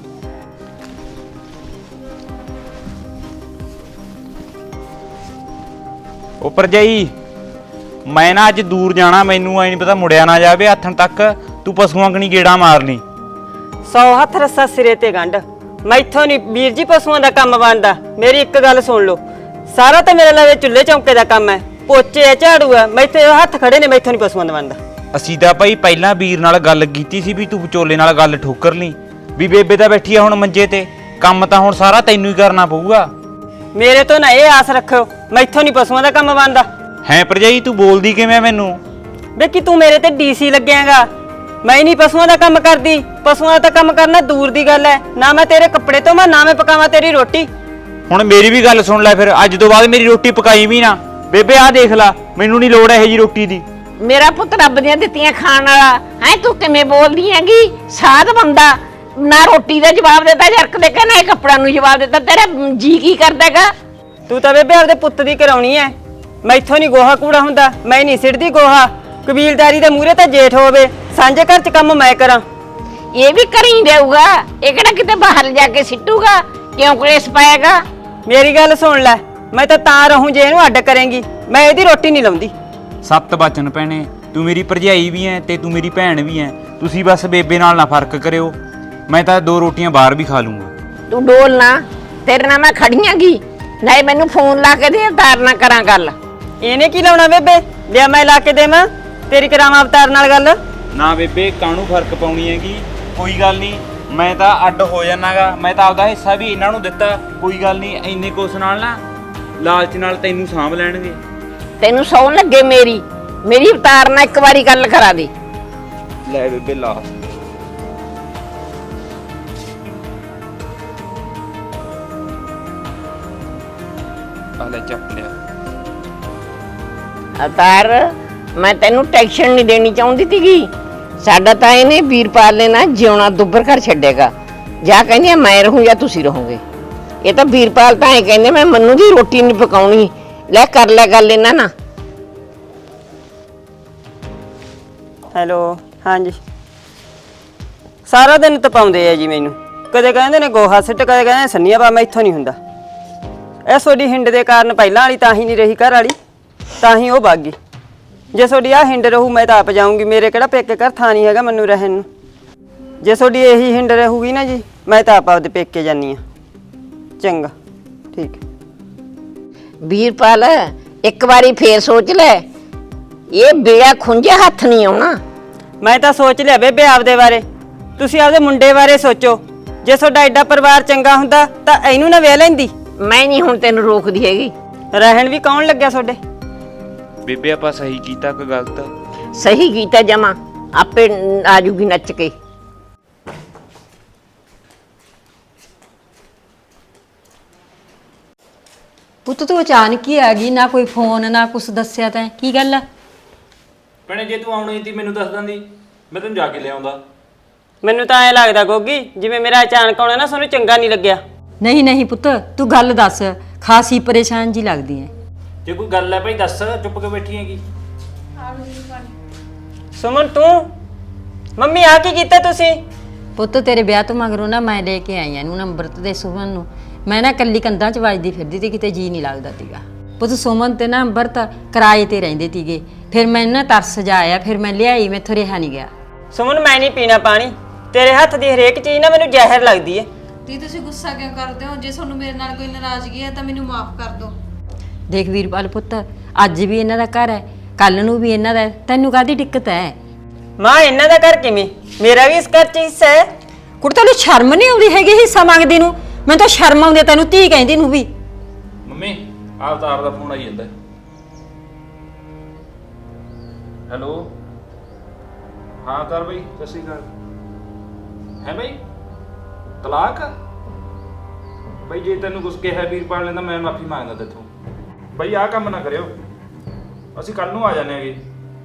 [SPEAKER 8] ਉਹ ਭਰਜਾਈ, ਮੈਂ ਨਾ ਅੱਜ ਦੂਰ ਜਾਣਾ, ਮੈਨੂੰ ਐ ਨਹੀਂ ਪਤਾ ਮੁੜਿਆ ਨਾ ਜਾਵੇ ਹੱਥਣ ਤੱਕ, ਤੂੰ ਪਸ਼ੂਆਂ ਕਣੀ ਗੇੜਾ ਮਾਰ ਲਈ।
[SPEAKER 1] 100 ਹੱਥ ਰੱਸਾ ਸਿਰੇ ਤੇ ਗੰਢ, ਮੈਥੋਂ ਨਹੀਂ ਵੀਰ ਜੀ ਪਸ਼ੂਆਂ ਦਾ ਕੰਮ ਬਣਦਾ। ਮੇਰੀ ਇੱਕ ਗੱਲ ਸੁਣ ਲਓ, ਸਾਰਾ ਤਾਂ ਮੇਰੇ ਲਵੇ ਚੁੱਲ੍ਹੇ ਚੌਂਕੇ ਦਾ ਕੰਮ ਹੈ, ਪੋਚੇ ਆ, ਝਾੜੂ ਆ, ਮੈਥੇ ਹੱਥ ਖੜੇ ਨੇ, ਮੈਥੋਂ ਨਹੀਂ ਪਸ਼ੂਆਂ ਦਾ ਬਣਦਾ।
[SPEAKER 8] ਅਸੀਂ ਤਾਂ ਭਾਈ ਪਹਿਲਾਂ ਵੀਰ ਨਾਲ ਗੱਲ ਕੀਤੀ ਸੀ ਵੀ ਤੂੰ ਵਿਚੋਲੇ ਨਾਲ ਗੱਲ ਠੋਕਰ ਲਈ, ਵੀ ਬੇਬੇ ਤਾਂ ਬੈਠੀ ਆ ਹੁਣ ਮੰਜੇ ਤੇ, ਕੰਮ ਤਾਂ ਹੁਣ ਸਾਰਾ ਤੈਨੂੰ ਹੀ ਕਰਨਾ ਪਊਗਾ।
[SPEAKER 1] ਮੇਰੇ ਤੋਂ ਨਾ ਇਹ ਆਸ ਰੱਖਿਓ, ਮੈਥੋਂ ਨਹੀਂ ਪਸ਼ੂਆਂ ਦਾ ਕੰਮ ਬਣਦਾ।
[SPEAKER 8] ਹੈ ਭਰਜਾਈ, ਤੂੰ ਬੋਲਦੀ ਕਿਵੇਂ ਮੈਨੂੰ?
[SPEAKER 1] ਵੇ ਕਿ ਤੂੰ ਮੇਰੇ ਤੇ ਡੀਸੀ ਲੱਗਿਆਗਾ? ਮੈਂ ਨਹੀਂ ਪਸ਼ੂਆਂ ਦਾ ਕੰਮ ਕਰਦੀ, ਪਸ਼ੂਆਂ ਦਾ ਕੰਮ ਕਰਨਾ ਦੂਰ ਦੀ ਗੱਲ ਹੈ। ਨਾ ਮੈਂ ਤੇਰੇ ਕੱਪੜੇ ਧੋਵਾਂ, ਨਾ ਮੈਂ ਪਕਾਵਾਂ ਤੇਰੀ ਰੋਟੀ।
[SPEAKER 8] ਹੁਣ ਮੇਰੀ ਵੀ ਗੱਲ ਸੁਣ ਲੈ, ਫਿਰ ਅੱਜ ਤੋਂ ਬਾਅਦ ਮੇਰੀ ਰੋਟੀ ਪਕਾਈ ਵੀ ਨਾ। ਬੇਬੇ ਆਹ ਦੇਖ ਲੈ, ਮੈਨੂੰ ਨਹੀਂ ਲੋੜ ਇਹੋ ਜੀ ਰੋਟੀ ਦੀ।
[SPEAKER 7] ਮੇਰਾ ਪੁੱਤ ਰੱਬ ਦੀਆਂ ਦਿੱਤੀਆਂ ਖਾਣ ਵਾਲਾ ਹੈ, ਤੂੰ ਕਿਵੇਂ ਬੋਲਦੀ ਹੈਗੀ? ਸਾਧ ਬੰਦਾ ਨਾ ਰੋਟੀ ਦਾ ਜਵਾਬ ਦਿੱਤਾ ਜਰਕ ਦੇ ਕੇ, ਨਾ ਇਹ ਕੱਪੜਾਂ ਨੂੰ ਜਵਾਬ ਦਿੱਤਾ। ਤੇਰਾ ਜੀ ਕੀ ਕਰਦਾਗਾ?
[SPEAKER 1] ਤੂੰ ਤਾਂ ਬੇਬੇ ਆਪਦੇ ਪੁੱਤ ਦੀ ਕਰਾਉਣੀ ਐ, ਮੈਥੋਂ ਨਹੀਂ ਗੋਹਾ ਕੂੜਾ ਹੁੰਦਾ। ਮੈਂ ਨਹੀਂ ਸਿੱਟਦੀ ਗੋਹਾ, ਕਬੀਲਦਾਰੀ ਦੇ ਮੂਹਰੇ ਤਾਂ ਜੇਠ ਹੋਵੇ, ਸਾਂਝੇ ਘਰ 'ਚ ਕੰਮ ਮੈਂ ਕਰਾਂ।
[SPEAKER 7] ਇਹ ਵੀ ਕਰੀ ਦੇਊਗਾ, ਇਹ ਕਿਹੜਾ ਕਿਤੇ ਬਾਹਰ ਜਾ ਕੇ ਸਿੱਟੂਗਾ? ਕਿਉਂ ਕਲੇਸ਼ ਪਾਏਗਾ?
[SPEAKER 1] ਮੇਰੀ ਗੱਲ ਸੁਣ ਲੈ, ਮੈਂ ਤਾਂ ਰਹੂੰ ਜੇ ਇਹਨੂੰ ਅੱਡ ਕਰੇਂਗੀ, ਮੈਂ ਇਹਦੀ ਰੋਟੀ ਨਹੀਂ ਲਾਉਂਦੀ।
[SPEAKER 8] 7 ਬਚਨ ਭੈਣੇ, ਤੂੰ ਮੇਰੀ ਭਰਜਾਈ ਵੀ ਐ ਤੇ ਤੂੰ ਮੇਰੀ ਭੈਣ ਵੀ ਐ। ਤੁਸੀਂ ਬਸ ਬੇਬੇ ਨਾਲ ਨਾ ਫਰਕ ਕਰਿਓ, ਮੈਂ ਤਾਂ 2 ਰੋਟੀਆਂ ਬਾਹਰ ਵੀ ਖਾ ਲੂੰਗਾ।
[SPEAKER 7] ਤੂੰ ਡੋਲ ਨਾ, ਤੇਰੇ ਨਾਲ ਮੈਂ ਖੜੀਆਂਗੀ। ਨਹੀਂ ਮੈਨੂੰ ਫੋਨ ਲਾ ਕੇ ਦੇ, ਅਵਤਾਰ ਨਾ ਕਰਾਂ ਗੱਲ।
[SPEAKER 1] ਇਹਨੇ ਕੀ ਲਾਉਣਾ ਬੇਬੇ? ਲਿਆ ਮੈਂ ਲਾ ਕੇ ਦੇਵਾਂ, ਤੇਰੀ ਕਰਾਵਾਂ ਅਵਤਾਰ ਨਾਲ ਗੱਲ।
[SPEAKER 8] ਨਾ ਬੇਬੇ, ਕਾਹਨੂੰ ਫਰਕ ਪਾਉਣੀ ਹੈਗੀ? ਕੋਈ ਗੱਲ ਨਹੀਂ, ਮੈਂ ਤਾਂ ਅੱਡ ਹੋ ਜਾਣਾਗਾ। ਮੈਂ ਤਾਂ ਆਪਦਾ ਹਿੱਸਾ ਵੀ ਇਹਨਾਂ ਨੂੰ ਦਿੱਤਾ, ਕੋਈ ਗੱਲ ਨਹੀਂ। ਇੰਨੇ ਕੁਛ ਨਾਲ ਨਾ ਲਾਲਚ ਨਾਲ ਤੈਨੂੰ ਸਾਂਭ ਲੈਣਗੇ।
[SPEAKER 7] ਤੈਨੂੰ ਸੌਣ ਲੱਗੇ ਮੇਰੀ ਅਵਤਾਰ ਨਾਲ ਇੱਕ ਵਾਰੀ ਗੱਲ ਕਰਾ ਦੇ।
[SPEAKER 8] ਲੈ ਬੇਬੇ ਲਾ। ਆ ਲੈ ਚੱਪ ਲਿਆ।
[SPEAKER 7] ਅਵਤਾਰ, ਮੈਂ ਤੈਨੂੰ ਟੈਨਸ਼ਨ ਨਹੀਂ ਦੇਣੀ ਚਾਹੁੰਦੀ ਸੀਗੀ। ਸਾਡਾ ਤਾਂ ਇਹਨੇ ਵੀਰਪਾਲ ਨੇ ਨਾ ਜਿਉਣਾ ਦੁੱਬਰ ਕਰ ਛੱਡੇਗਾ। ਜਾਂ ਕਹਿੰਦੀ ਆ ਮੈਂ ਰਹੂੰ ਜਾਂ ਤੁਸੀਂ ਰਹੋਗੇ। ਇਹ ਤਾਂ ਵੀਰਪਾਲ ਤਾਂ ਇਹ ਕਹਿੰਦੇ ਮੈਂ ਮੰਨੂ ਦੀ ਰੋਟੀ ਨਹੀਂ ਪਕਾਉਣੀ। ਲੈ ਕਰ ਲੈ ਗੱਲ ਇਹਨਾਂ ਨਾਲ।
[SPEAKER 1] ਹੈਲੋ, ਹਾਂਜੀ। ਸਾਰਾ ਦਿਨ ਤਪਾਉਂਦੇ ਆ ਜੀ ਮੈਨੂੰ, ਕਦੇ ਕਹਿੰਦੇ ਨੇ ਗੋਹਾ ਸਿੱਟ, ਕਦੇ ਕਹਿੰਦੇ ਸੰਨੀਆਂ ਪਾ, ਮੈਥੋਂ ਨਹੀਂ ਹੁੰਦਾ। ਇਹ ਤੁਹਾਡੀ ਹਿੰਡ ਦੇ ਕਾਰਨ ਪਹਿਲਾਂ ਵਾਲੀ ਤਾਂ ਹੀ ਨਹੀਂ ਰਹੀ ਘਰ ਵਾਲੀ, ਤਾਂ ਹੀ ਉਹ ਵਗ ਗਈ। ਜੇ ਤੁਹਾਡੀ ਆਹ ਹਿੰਡ ਰਹੂ ਮੈਂ ਤਾਂ ਆਪ ਜਾਊਂਗੀ, ਮੇਰੇ ਕਿਹੜਾ ਪੇਕੇ ਘਰ ਥਾਂ ਨਹੀਂ ਹੈਗਾ ਮੈਨੂੰ ਰਹਿਣ ਨੂੰ। ਜੇ ਤੁਹਾਡੀ ਇਹੀ ਹਿੰਡ ਰਹੂਗੀ ਨਾ ਜੀ, ਮੈਂ ਤਾਂ ਆਪ ਆਪਦੇ ਪੇਕੇ ਜਾਨੀ ਆ। ਚੰਗਾ, ਠੀਕ ਹੈ।
[SPEAKER 7] ਵੀਰਪਾਲ ਇੱਕ ਵਾਰੀ ਫੇਰ ਸੋਚ ਲੈ, ਇਹ ਬੇੜਾ ਖੁੰਝੇ ਹੱਥ ਨਹੀਂ ਆਉਣਾ।
[SPEAKER 1] ਮੈਂ ਤਾਂ ਸੋਚ ਲਿਆ ਬੇਬੇ ਆਪਦੇ ਬਾਰੇ, ਤੁਸੀਂ ਆਪਦੇ ਮੁੰਡੇ ਬਾਰੇ ਸੋਚੋ। ਜੇ ਤੁਹਾਡਾ ਐਡਾ ਪਰਿਵਾਰ ਚੰਗਾ ਹੁੰਦਾ ਤਾਂ ਇਹਨੂੰ ਨਾ ਵਿਆਹ ਲੈਂਦੀ।
[SPEAKER 7] ਮੈਂ ਨਹੀਂ ਹੁਣ ਤੈਨੂੰ ਰੋਕਦੀ ਹੈਗੀ।
[SPEAKER 1] ਰਹਿਣ ਵੀ ਕੌਣ ਲੱਗਿਆ ਤੁਹਾਡੇ?
[SPEAKER 8] ਬੇਬੇ ਆਪਾਂ ਸਹੀ ਕੀਤਾ ਕਿ ਗਲਤ?
[SPEAKER 7] ਸਹੀ ਕੀਤਾ ਜਮਾ, ਆਪੇ ਆਜੂਗੀ ਨੱਚ ਕੇ।
[SPEAKER 4] ਪੁੱਤ ਤੂੰ ਅਚਾਨਕ ਹੀ ਆ ਗਈ, ਨਾ ਕੋਈ ਫੋਨ ਨਾ ਕੁਛ ਦੱਸਿਆ ਤੈਂ, ਕੀ ਗੱਲ ਆ?
[SPEAKER 2] ਭੈਣੇ ਜੇ ਤੂੰ ਆਉਣੀ ਸੀ ਮੈਨੂੰ ਦੱਸ ਦਿੰਦੀ, ਮੈਂ ਤੈਨੂੰ ਜਾ ਕੇ ਲਿਆਉਂਦਾ।
[SPEAKER 1] ਮੈਨੂੰ ਤਾਂ ਐ ਲੱਗਦਾ ਗੋਗੀ ਜਿਵੇਂ ਮੇਰਾ ਅਚਾਨਕ ਆਉਣਾ ਨਾ ਤੁਹਾਨੂੰ ਚੰਗਾ ਨਹੀਂ ਲੱਗਿਆ।
[SPEAKER 4] ਨਹੀਂ ਨਹੀਂ ਪੁੱਤ, ਤੂੰ ਗੱਲ ਦੱਸ, ਖਾਸੀ ਪਰੇਸ਼ਾਨ ਜੀ ਲੱਗਦੀ ਐ।
[SPEAKER 8] ਜੇ ਕੋਈ ਗੱਲ ਹੈ ਭਾਈ ਦੱਸ, ਚੁੱਪ ਕੇ ਬੈਠੀ ਹੈਗੀ।
[SPEAKER 1] ਸੁਮਨ ਤੂੰ ਮੰਮੀ ਆ ਕੀ ਕੀਤਾ ਤੁਸੀਂ?
[SPEAKER 4] ਪੁੱਤ ਤੇਰੇ ਵਿਆਹ ਤੋਂ ਮਗਰੋਂ ਨਾ ਮੈਂ ਲੈ ਕੇ ਆਈ ਇਹਨੂੰ ਅੰਮ੍ਰਿਤ ਦੇ ਸੁਮਨ ਨੂੰ। ਮੈਂ ਨਾ ਕੱਲੀ ਕੰਧਾਂ 'ਚ ਵੱਜਦੀ ਫਿਰਦੀ ਤੇ ਕਿਤੇ ਜੀ ਨਹੀਂ ਲੱਗਦਾ ਤੀਗਾ। ਪੁੱਤ ਸੁਮਨ ਤੇ ਨਾ ਅੰਮ੍ਰਿਤ ਕਿਰਾਏ ਤੇ ਰਹਿੰਦੇ ਤੀਗੇ, ਫਿਰ ਮੈਨੂੰ ਨਾ ਤਰਸ ਜਾ ਆਇਆ, ਫਿਰ ਮੈਂ ਲਿਆਈ, ਮੈਥੋਂ ਰਿਹਾ ਨਹੀਂ ਗਿਆ।
[SPEAKER 1] ਸੁਮਨ ਮੈਂ ਨਹੀਂ ਪੀਣਾ ਪਾਣੀ, ਤੇਰੇ ਹੱਥ ਦੀ ਹਰੇਕ ਚੀਜ਼ ਨਾ ਮੈਨੂੰ ਜ਼ਹਿਰ ਲੱਗਦੀ ਹੈ।
[SPEAKER 5] ਦੀ ਤੁਸੀਂ ਗੁੱਸਾ ਕਿਉਂ ਕਰਦੇ ਹੋ? ਜੇ ਤੁਹਾਨੂੰ ਮੇਰੇ ਨਾਲ ਕੋਈ ਨਾਰਾਜ਼ਗੀ ਹੈ ਤਾਂ ਮੈਨੂੰ ਮਾਫ ਕਰ ਦਿਓ।
[SPEAKER 4] ਦੇਖ ਵੀਰਪਾਲ ਪੁੱਤ, ਅੱਜ ਵੀ ਇਹਨਾਂ ਦਾ ਘਰ ਹੈ, ਕੱਲ ਨੂੰ ਵੀ ਇਹਨਾਂ ਦਾ ਹੈ, ਤੈਨੂੰ ਕਾਹਦੀ ਦਿੱਕਤ ਹੈ?
[SPEAKER 1] ਮਾਂ ਇਹਨਾਂ ਦਾ ਘਰ ਕਿਵੇਂ? ਮੇਰਾ ਵੀ ਇਸ ਘਰ 'ਚ ਹਿੱਸਾ ਹੈ।
[SPEAKER 4] ਕੁੜ ਤੈਨੂੰ ਸ਼ਰਮ ਨਹੀਂ ਆਉਂਦੀ ਹੈਗੀ ਹਿੱਸਾ ਮੰਗਦੀ ਨੂੰ? ਮੈਨੂੰ ਤਾਂ ਸ਼ਰਮ ਆਉਂਦੀ ਤੈਨੂੰ ਧੀ ਕਹਿੰਦੀ ਨੂੰ ਵੀ।
[SPEAKER 2] ਮੰਮੀ ਅਵਤਾਰ ਦਾ ਫੋਨ ਆਈ ਜਾਂਦਾ। ਹੈਲੋ, ਹਾਂ ਅਵਤਾਰ ਬਾਈ, ਸਤਿ ਸ਼੍ਰੀ ਅਕਾਲ। ਹੈ ਬਾਈ ਤਲਾਕ? ਬਾਈ ਜੇ ਤੈਨੂੰ ਕੁਝ ਕਿਹਾ ਵੀਰਪਾਲ ਨੇ ਤਾਂ ਮੈਂ ਮਾਫੀ ਮੰਗਦਾ ਤੇਥੋਂ। ਬਾਈ ਆਹ ਕੰਮ ਨਾ ਕਰਿਓ, ਅਸੀਂ ਕੱਲ ਨੂੰ ਆ ਜਾਣੇ ਹੈਗੇ।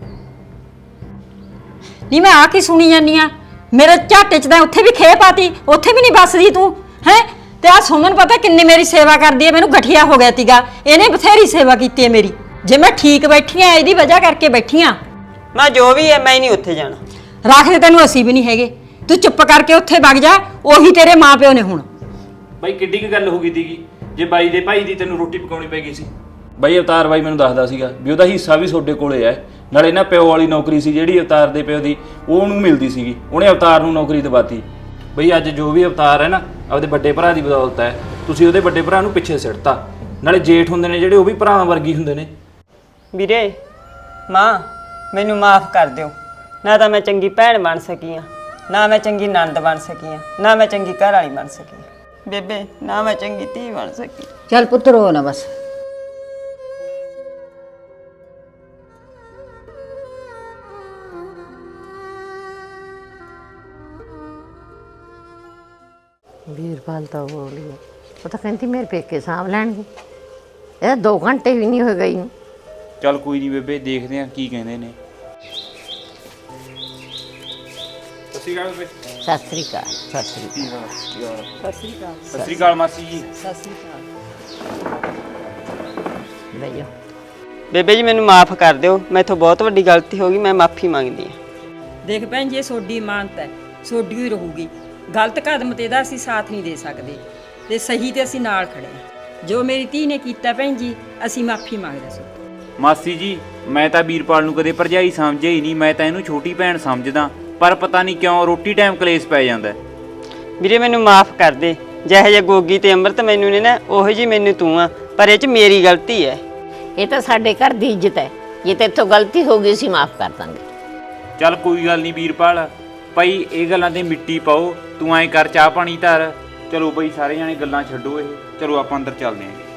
[SPEAKER 4] ਨਹੀਂ ਮੈਂ ਆ ਕੀ ਸੁਣੀ ਜਾਂਦੀ ਆ? ਮੇਰੇ ਝਾਟੇ 'ਚ ਤਾਂ ਉੱਥੇ ਵੀ ਖੇ ਪਾਤੀ, ਉੱਥੇ ਵੀ ਨਹੀਂ ਬਸਦੀ ਤੂੰ ਹੈ। ਤੇ ਆ ਸੁਮਨ ਪਤਾ ਕਿੰਨੀ ਮੇਰੀ ਸੇਵਾ ਕਰਦੀ ਹੈ, ਮੈਨੂੰ ਗਠੀਆ ਹੋ ਗਿਆ ਤੀਗਾ, ਇਹਨੇ ਬਥੇਰੀ ਸੇਵਾ ਕੀਤੀ ਹੈ ਮੇਰੀ। ਜੇ ਮੈਂ ਠੀਕ ਬੈਠੀ ਆ ਇਹਦੀ ਵਜ੍ਹਾ ਕਰਕੇ ਬੈਠੀ ਆ।
[SPEAKER 1] ਮਾਂ ਜੋ ਵੀ ਹੈ ਮੈਂ ਨਹੀਂ ਉੱਥੇ ਜਾਣਾ।
[SPEAKER 4] ਰੱਖਦੇ ਤੈਨੂੰ ਅਸੀਂ ਵੀ ਨਹੀਂ ਹੈਗੇ, ਤੂੰ ਚੁੱਪ ਕਰਕੇ ਉੱਥੇ ਵਗ ਜਾ, ਉਹੀ ਤੇਰੇ ਮਾਪਿਓ ਨੇ ਹੁਣ।
[SPEAKER 2] ਬਾਈ ਕਿੱਡੀ ਕੁ ਗੱਲ ਹੋ ਗਈ ਸੀਗੀ ਜੇ ਬਾਈ ਦੇ ਭਾਈ ਦੀ ਤੈਨੂੰ ਰੋਟੀ ਪਕਾਉਣੀ ਪੈ ਗਈ ਸੀ? ਬਾਈ ਅਵਤਾਰ ਬਾਈ ਮੈਨੂੰ ਦੱਸਦਾ ਸੀਗਾ ਵੀ ਉਹਦਾ ਹਿੱਸਾ ਵੀ ਤੁਹਾਡੇ ਕੋਲੇ ਹੈ, ਨਾਲੇ ਨਾ ਪਿਓ ਵਾਲੀ ਨੌਕਰੀ ਸੀ ਜਿਹੜੀ ਅਵਤਾਰ ਦੇ ਪਿਓ ਦੀ ਉਹ ਉਹਨੂੰ ਮਿਲਦੀ ਸੀਗੀ, ਉਹਨੇ ਅਵਤਾਰ ਨੂੰ ਨੌਕਰੀ ਦਿਵਾਤੀ। ਬਈ ਅੱਜ ਜੋ ਵੀ ਅਵਤਾਰ ਹੈ ਨਾ ਆਪਦੇ ਵੱਡੇ ਭਰਾ ਦੀ ਬਦੌਲਤ ਹੈ। ਤੁਸੀਂ ਉਹਦੇ ਵੱਡੇ ਭਰਾ ਨੂੰ ਪਿੱਛੇ ਸਿੱਟਤਾ, ਨਾਲੇ ਜੇਠ ਹੁੰਦੇ ਨੇ ਜਿਹੜੇ ਉਹ ਵੀ ਭਰਾਵਾਂ ਵਰਗੀ ਹੁੰਦੇ ਨੇ।
[SPEAKER 1] ਵੀਰੇ ਮਾਂ ਮੈਨੂੰ ਮਾਫ ਕਰ ਦਿਓ, ਨਾ ਤਾਂ ਮੈਂ ਚੰਗੀ ਭੈਣ ਬਣ ਸਕੀ ਆ, ਨਾ ਮੈਂ ਚੰਗੀ ਨਣਦ ਬਣ ਸਕੀ ਆ, ਨਾ ਮੈਂ ਚੰਗੀ ਘਰ ਵਾਲੀ ਬਣ ਸਕੀ ਬੇਬੇ, ਨਾ ਮੈਂ ਚੰਗੀ ਧੀ ਬਣ ਸਕੀ।
[SPEAKER 4] ਚੱਲ ਪੁੱਤ ਰੋ ਨਾ ਬਸ।
[SPEAKER 7] ਵੀਰਪਾਲ ਤਾਂ ਬੋਲੀ ਹੈ, ਉਹ ਤਾਂ ਕਹਿੰਦੀ ਮੇਰੇ ਪੇਕੇ ਸਾਂਭ ਲੈਣਗੇ। ਇਹ 2 ਘੰਟੇ ਵੀ ਨਹੀਂ ਹੋਏ ਗਈ ਨੂੰ।
[SPEAKER 8] ਚੱਲ ਕੋਈ ਨਹੀਂ ਬੇਬੇ, ਦੇਖਦੇ ਆ ਕੀ ਕਹਿੰਦੇ ਨੇ। ਸਤਿ ਸ਼੍ਰੀ ਅਕਾਲ ਬੇਬੇ।
[SPEAKER 7] ਸਤਿ ਸ੍ਰੀ ਅਕਾਲ। ਸਤਿ ਸ੍ਰੀ ਅਕਾਲ।
[SPEAKER 8] ਸਤਿ ਸ਼੍ਰੀ ਅਕਾਲ ਮਾਸੀ ਜੀ।
[SPEAKER 7] ਬਈਓ
[SPEAKER 1] ਬੇਬੇ ਜੀ ਮੈਨੂੰ ਮਾਫ ਕਰ ਦਿਓ, ਮੈਥੋਂ ਬਹੁਤ ਵੱਡੀ ਗਲਤੀ ਹੋ ਗਈ, ਮੈਂ ਮਾਫੀ ਮੰਗਦੀ ਹਾਂ।
[SPEAKER 4] ਦੇਖ ਭੈਣ ਜੀ, ਇਹ ਸੋਡੀ ਇਮਾਨਤ ਹੈ, ਸੋਡੀ ਹੀ ਰਹੂਗੀ। ਗਲਤ ਕਦਮ ਤੇ ਦਾ ਅਸੀਂ ਸਾਥ ਨਹੀਂ ਦੇ ਸਕਦੇ, ਤੇ ਸਹੀ ਤੇ ਅਸੀਂ ਨਾਲ ਖੜੇ ਹਾਂ। ਜੋ ਮੇਰੀ ਧੀ ਨੇ ਕੀਤਾ ਭੈਣ ਜੀ, ਅਸੀਂ ਮਾਫੀ ਮੰਗਦੇ ਸੀ।
[SPEAKER 8] ਮਾਸੀ ਜੀ ਮੈਂ ਤਾਂ ਵੀਰਪਾਲ ਨੂੰ ਕਦੇ ਭਰਜਾਈ ਸਮਝਿਆ ਹੀ ਨਹੀਂ, ਮੈਂ ਤਾਂ ਇਹਨੂੰ ਛੋਟੀ ਭੈਣ ਸਮਝਦਾ, ਪਰ ਪਤਾ ਨਹੀਂ ਕਿਉਂ ਰੋਟੀ ਟਾਈਮ ਕਲੇਸ਼ ਪੈ ਜਾਂਦਾ।
[SPEAKER 1] ਵੀਰੇ ਮੈਨੂੰ ਮਾਫ ਕਰ ਦੇ, ਜਿਹੇ ਜੇ ਗੋਗੀ ਤੇ ਅੰਮ੍ਰਿਤ ਮੈਨੂੰ ਨੇ ਨਾ, ਉਹੋ ਜੀ ਮੈਨੂੰ ਤੂੰ ਆ, ਪਰ ਇਹ 'ਚ ਮੇਰੀ ਗਲਤੀ ਹੈ।
[SPEAKER 7] ਇਹ ਤਾਂ ਸਾਡੇ ਘਰ ਦੀ ਇੱਜ਼ਤ ਹੈ, ਜੇ ਤੇਥੋਂ ਗਲਤੀ ਹੋ ਗਈ ਅਸੀਂ ਮਾਫ ਕਰ ਦਾਂਗੇ।
[SPEAKER 8] ਚੱਲ ਕੋਈ ਗੱਲ ਨਹੀਂ ਵੀਰਪਾਲ, ਭਾਈ ਇਹ ਗੱਲਾਂ ਤੇ ਮਿੱਟੀ ਪਾਓ, ਤੂੰ ਐਂ ਕਰ ਚਾਹ ਪਾਣੀ ਧਰ। ਚਲੋ ਬਈ ਸਾਰੇ ਜਾਣੇ ਗੱਲਾਂ ਛੱਡੋ, ਇਹ ਚਲੋ ਆਪਾਂ ਅੰਦਰ ਚੱਲਦੇ ਆਂ।